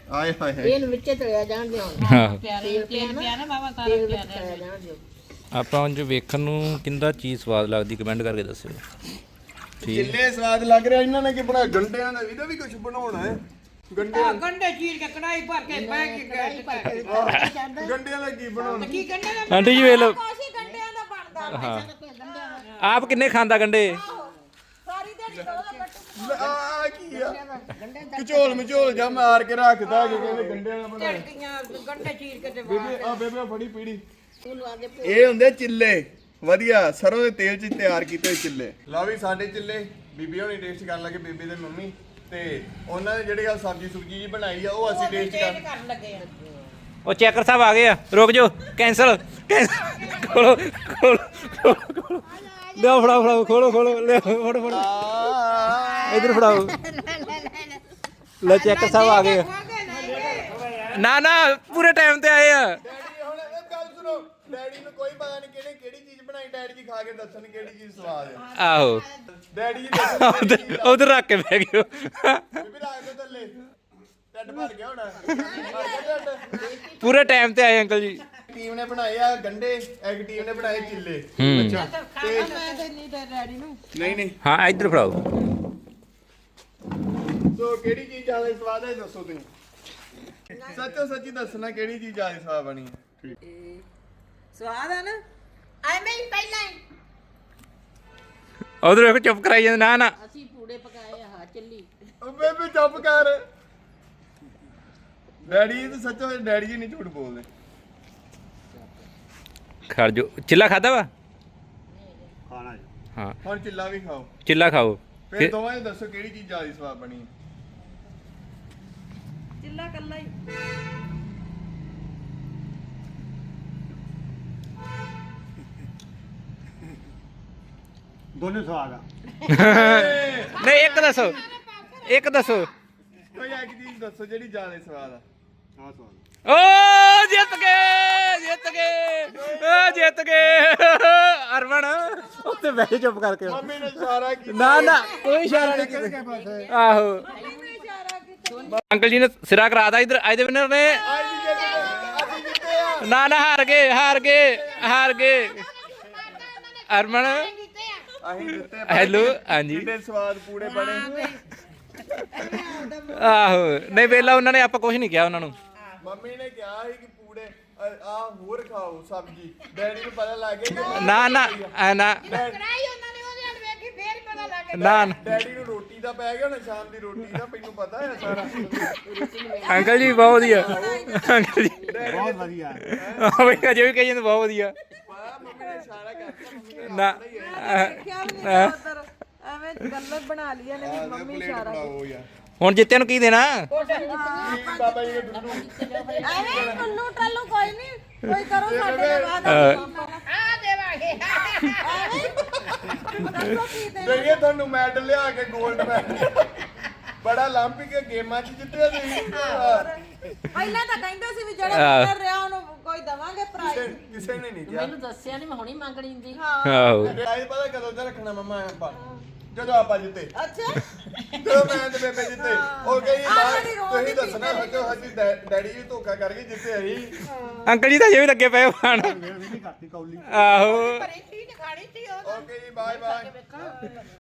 D: ਆਏ ਹਾਏ ਹਾਏ
B: ਇਹਨੂੰ ਵਿੱਚੇ ਤਲਿਆ ਜਾਣ ਦਿਓ
C: ਹਾਂ
A: ਪਿਆਰੇ ਤੇਲ ਪਿਆ ਨਾ ਬਾਬਾ ਸਾਰਾ
B: ਤੇਲ ਵਿੱਚ ਤਲਿਆ ਜਾਣ ਦਿਓ
C: ਆਪਾਂ ਉਂਝ ਵੇਖਣ ਨੂੰ ਕਿੰਦਾ ਚੀਜ਼ ਸਵਾਦ ਲੱਗਦੀ ਕਮੈਂਟ ਕਰਕੇ ਦੱਸਿਓ ਠੀਕ
D: ਜਿੰਨੇ ਸਵਾਦ ਲੱਗ ਰਿਹਾ ਇਹਨਾਂ ਨੇ ਕੀ ਬਣਾਇਆ ਗੰਡਿਆਂ ਦਾ ਇਹਦਾ ਵੀ ਕੁਝ ਬਣਾਉਣਾ ਹੈ ਗੰਡੇ
A: ਆਹ ਗੰਡੇ ਚੀਰ ਕੇ ਕੜਾਈ ਭਰ ਕੇ ਬਹਿ ਕੇ ਗੈਸ ਤੇ
D: ਗੰਡਿਆਂ ਦਾ ਕੀ ਬਣਾਉਣਾ
A: ਕੀ ਗੰਡੇ ਦਾ
C: ਆਂਟੀ ਜੀ ਵੇਖ ਲਓ
E: ਕੋਸ਼ੀ ਗੰਡਿਆਂ ਦਾ ਬਣਦਾ
C: ਹਾਂ ਆਪ ਕਿੰਨੇ ਖਾਂਦਾ ਗੰਡੇ
E: ਸਾਰੀ ਦਿਹਾੜੀ ਦੋ ਦਾ ਬੱਟੂ
D: ਆ ਕੀ ਆ ਕਚੋਲ ਮਚੋਲ ਜਾ ਮਾਰ ਕੇ ਰੱਖਦਾ ਕਿ ਕਹਿੰਦੇ ਗੰਡਿਆਂ ਦਾ ਬਣਾਇਆ
A: ਝਟਕੀਆਂ ਗੰਡੇ ਚੀਰ ਕੇ ਤੇ
D: ਬੇਬੇ ਆ ਬੇਬੇ ਫੜੀ ਪੀੜੀ
B: ਉਹਨੂੰ ਆਗੇ
D: ਇਹ ਹੁੰਦੇ ਚਿੱਲੇ ਵਧੀਆ ਸਰੋਂ ਦੇ ਤੇਲ 'ਚ ਤਿਆਰ ਕੀਤੇ ਹੋਏ ਚਿੱਲੇ ਲਓ ਵੀ ਸਾਡੇ ਚਿੱਲੇ ਬੀਬੀ ਹੋਣੀ ਟੇਸਟ ਕਰਨ ਲੱਗੇ ਬੀਬੀ ਦੇ ਮੰਮੀ ਤੇ ਉਹਨਾਂ ਨੇ ਜਿਹੜੀ ਗੱਲ ਸਬਜ਼ੀ ਸੁਬਜੀ ਜੀ ਬਣਾਈ ਆ ਉਹ ਅਸੀਂ ਟੇਸਟ ਕਰ
A: ਕਰਨ ਲੱਗੇ ਆ
C: ਉਹ ਚੈਕਰ ਸਾਹਿਬ ਆ ਗਏ ਆ ਰੁਕ ਜਾਓ ਕੈਂਸਲ ਕੈਂਸਲ ਖੋਲੋ ਖੋਲੋ ਖੋਲੋ ਲਿਆਓ ਫੜਾਓ ਫੜਾਓ ਖੋਲੋ ਖੋਲੋ ਲਿਆਓ ਫੜੋ ਫੜੋ ਇਧਰ ਫੜਾਓ ਲੈ ਚੈਕਰ ਸਾਹਿਬ ਆ ਗਏ ਆ। ਨਾ ਨਾ ਪੂਰੇ ਟਾਈਮ ਤੇ ਆਏ ਆ
D: ਡੈਡੀ ਹੁਣ ਇਹ ਗੱਲ ਸੁਣੋ ਡੈਡੀ ਨੂੰ ਕੋਈ ਪਤਾ ਨਹੀਂ ਕਿਹਨੇ ਕਿਹੜੀ ਚੀਜ਼ ਬਣਾਈ ਡੈਡੀ ਜੀ ਖਾ ਕੇ ਦੱਸਣ ਕਿਹੜੀ ਚੀਜ਼ ਸਵਾਦ ਹੈ
C: ਆਹੋ
D: ਡੈਡੀ ਜੀ ਦੱਸਣ ਕਿਹੜੀ ਚੀਜ਼
C: ਉਧਰ ਉਧਰ ਰੱਖ ਕੇ ਬਹਿ ਗਏ
D: ਬੀਬੀ ਰੱਖ ਦੇ ਥੱਲੇ ਟੱਡ ਭਰ ਗਿਆ ਹੋਣਾ ਭਰ ਗਿਆ ਢੱਡ।
C: ਪੂਰੇ ਟਾਈਮ ਤੇ ਆਏ ਅੰਕਲ ਜੀ
D: ਟੀਮ ਨੇ ਬਣਾਏ ਆ ਗੰਡੇ ਇੱਕ ਟੀਮ ਨੇ ਬਣਾਏ ਚਿੱਲੇ
C: ਹੂੰ
D: ਅੱਛਾ ਤੇ
E: ਮੈਂ ਤੇ ਨਹੀਂ ਤੇ ਡੈਡੀ ਨੂੰ
D: ਨਹੀਂ ਨਹੀਂ
C: ਹਾਂ ਇੱਧਰ ਫੜਾਓ
D: ਸੋ ਕਿਹੜੀ ਚੀਜ਼ ਜ਼ਿਆਦਾ ਸਵਾਦ ਹੈ ਦੱਸੋ ਤੁਸੀਂ ਸੱਚੋ ਸੱਚੀ ਦੱਸਣਾ ਕਿਹੜੀ ਚੀਜ਼ ਜ਼ਿਆਦਾ ਸਵਾਦ ਬਣੀ ਹੈ
E: ਸਵਾਦ ਹੈ ਨਾ
A: ਐਵੇਂ ਹੀ ਪਹਿਲਾਂ ਹੀ
C: ਉਧਰ ਵੇਖੋ ਚੁੱਪ ਕਰਾਈ ਜਾਂਦੇ ਨਾ ਨਾ
B: ਅਸੀਂ ਪੂੜੇ ਪਕਾਏ ਆ ਚੱਲੀ
D: ਉਹ ਬੇਬੀ ਚੁੱਪ ਕਰ ਡੈਡੀ ਤੇ ਸੱਚੋ ਡੈਡੀ ਜੀ ਨਹੀਂ ਝੂਠ ਬੋਲਦੇ
C: ਖੜ ਜੋ ਚਿੱਲਾ ਖਾਦਾ ਵਾ
D: ਖਾਣਾ
C: ਹਾਂ
D: ਹੁਣ ਚਿੱਲਾ ਵੀ ਖਾਓ
C: ਚਿੱਲਾ ਖਾਓ
D: ਫਿਰ
C: ਫਿਰ
D: ਦੋਵਾਂ ਨੇ ਦੱਸੋ ਕਿਹੜੀ ਚੀਜ਼ ਜ਼ਿਆਦਾ ਸਵਾਦ ਬਣੀ
E: ਚਿੱਲਾ ਕੱਲਾ ਹੀ
F: ਦੋਨੇ ਸਵਾਦ ਆ
C: ਨਹੀਂ ਇੱਕ ਦੱਸੋ ਇੱਕ ਦੱਸੋ
D: ਕੋਈ ਇੱਕ ਚੀਜ਼ ਦੱਸੋ ਜਿਹੜੀ ਜ਼ਿਆਦਾ ਸਵਾਦ ਆ
F: ਆ ਸਵਾਦ
C: ਓ ਜਿੱਤ ਗਏ ਜਿੱਤ ਗਏ ਓ ਜਿੱਤ ਗਏ ਅਰਮਨ ਉੱਤੇ ਬਹਿ ਜਾ ਚੁੱਪ ਕਰਕੇ
D: ਮੰਮੀ ਨੇ ਇਸ਼ਾਰਾ ਕੀਤਾ
C: ਨਾ ਨਾ ਕੋਈ ਇਸ਼ਾਰਾ ਨਹੀਂ ਕੀਤਾ ਆਹੋ ਅੰਕਲ ਜੀ ਨੇ ਸਿਰਾ ਕਰਾਤਾ ਇਧਰ ਅੱਜ ਦੇ ਵਿਨਰ ਨੇ
D: ਅੱਜ ਦੀ ਜਿੱਤ ਅਸੀਂ ਜਿੱਤੇ ਆ
C: ਨਾ ਨਾ ਹਾਰ ਗਏ ਹਾਰ ਗਏ ਹਾਰ ਗਏ ਅਰਮਨ
D: ਅਸੀਂ ਜਿੱਤੇ
C: ਹੈਲੋ ਹਾਂਜੀ
D: ਕਿੰਨੇ ਸਵਾਦ ਪੂੜੇ ਬਣੇ
C: ਆਹੋ ਨਹੀਂ ਵੇਲਾ ਉਹਨਾਂ ਨੇ ਆਪਾਂ ਕੁਝ ਨਹੀਂ ਕਿਹਾ ਉਹਨਾਂ ਨੂੰ
D: ਮੰਮੀ ਨੇ ਕਿਹਾ ਸੀ ਕਿ ਪੂੜੇ ਆ ਹੋਰ ਖਾਓ ਸਬਜੀ ਡੈਡੀ ਨੂੰ ਪਤਾ ਲੱਗ ਗਿਆ ਕਿ
C: ਨਾ ਨਾ ਐ ਨਾ
A: ਕੜਾਈ ਉਹਨਾਂ ਨੇ ਉਹਦੇ ਨਾਲ ਵੇਖੀ ਫੇਰ ਹੀ ਪਤਾ ਲੱਗ ਗਿਆ
C: ਨਾ ਨਾ।
D: ਡੈਡੀ ਨੂੰ ਰੋਟੀ ਦਾ ਪੈ ਗਿਆ ਹੁਣ ਸ਼ਾਮ ਦੀ ਰੋਟੀ ਦਾ ਮੈਨੂੰ ਪਤਾ ਹੈ ਸਾਰਾ
C: ਅੰਕਲ ਜੀ ਬਹੁਤ ਵਧੀਆ ਅੰਕਲ ਜੀ
F: ਬਹੁਤ ਵਧੀਆ
C: ਆਹ ਬਈ ਅਜੇ ਵੀ ਕਹੀ ਜਾਂਦੇ ਬਹੁਤ ਵਧੀਆ
D: ਪਤਾ ਮੰਮੀ ਨੇ ਇਸ਼ਾਰਾ ਕਰਤਾ ਮੰਮੀ ਨੇ
C: ਨਾ
E: ਦੇਖਿਆ ਵੀ ਨਹੀਂ ਉਧਰ ਐਵੇਂ ਗੱਲਾਂ ਬਣਾ ਲਈਆਂ ਨੇ ਵੀ ਮੰਮੀ ਇਸ਼ਾਰਾ
D: ਬਣਾਓ ਯਾਰ
C: ਹੁਣ ਜਿੱਤਿਆਂ ਨੂੰ ਕੀ ਦੇਣਾ
D: ਬਾਬਾ ਜੀ ਨੇ ਡੁੱਡੂ
E: ਐਵੇਂ ਟੁੱਲੂ ਟੱਲੂ ਕੋਈ ਨਹੀਂ ਕੋਈ ਕਰੋ ਸਾਡੇ ਦੇ ਬਾਅਦ
A: ਆ ਦੇਵਾਂਗੇ
E: ਦੱਸੋ ਕੀ ਦੇ
D: ਦਈਏ ਤੁਹਾਨੂੰ ਮੈਡਲ ਲਿਆ ਕੇ 골ਡ ਮੈਡਲ ਬੜਾ 올림픽 ਗੇਮਾਂ 'ਚ ਜਿੱਤਿਆ ਤੁਸੀਂ
E: ਪਹਿਲਾਂ ਤਾਂ ਕਹਿੰਦੇ ਸੀ ਵੀ ਜਿਹੜਾ ਵਿਨਰ ਰਿਹਾ ਉਹਨੂੰ ਕੋਈ ਦਵਾਂਗੇ ਪ੍ਰਾਈਜ਼
D: ਕਿਸੇ- ਕਿਸੇ ਨੇ ਨਹੀਂ ਕਿਹਾ
B: ਮੈਨੂੰ ਦੱਸਿਆ ਨਹੀਂ ਮੈਂ ਹੁਣੀ ਮੰਗਣੀ ਹੁੰਦੀ
C: ਆਹੋ
D: ਪ੍ਰਾਈਜ਼ ਪਤਾ ਕਦੋਂ ਦਾ ਰੱਖਣਾ ਮੰਮਾ ਆਪਾਂ ਜਦੋਂ ਆਪਾਂ ਜਿੱਤੇ
E: ਅੱਛਾ
D: ਜਦੋਂ ਮੈਂ ਤੇ ਬੇਬੇ ਜਿੱਤੇ ਉਹ ਕਹੀ
E: ਆਹ ਜਿਹੜੀ ਰੋਜ਼
D: ਤੁਸੀਂ
E: ਦੀ
D: ਦੱਸਣਾ ਸੱਚੋ ਸੱਚੀ ਡੈ- ਡੈਡੀ ਜੀ ਧੋਖਾ ਕਰਕੇ ਜਿੱਤੇ ਅਸੀਂ
C: ਅੰਕਲ ਜੀ ਤਾਂ ਅਜੇ ਵੀ ਲੱਗੇ ਪਏ ਖਾਣ
F: ਮੇਰੀ ਨਹੀਂ ਕਰਤੀ ਕੌਲੀ
C: ਆਹੋ
A: ਪਰੀ ਚੀਜ਼ ਖਾਣੀ ਸੀ ਉਹ
D: ਓਕੇ ਜੀ ਬਾਏ ਬਾਏ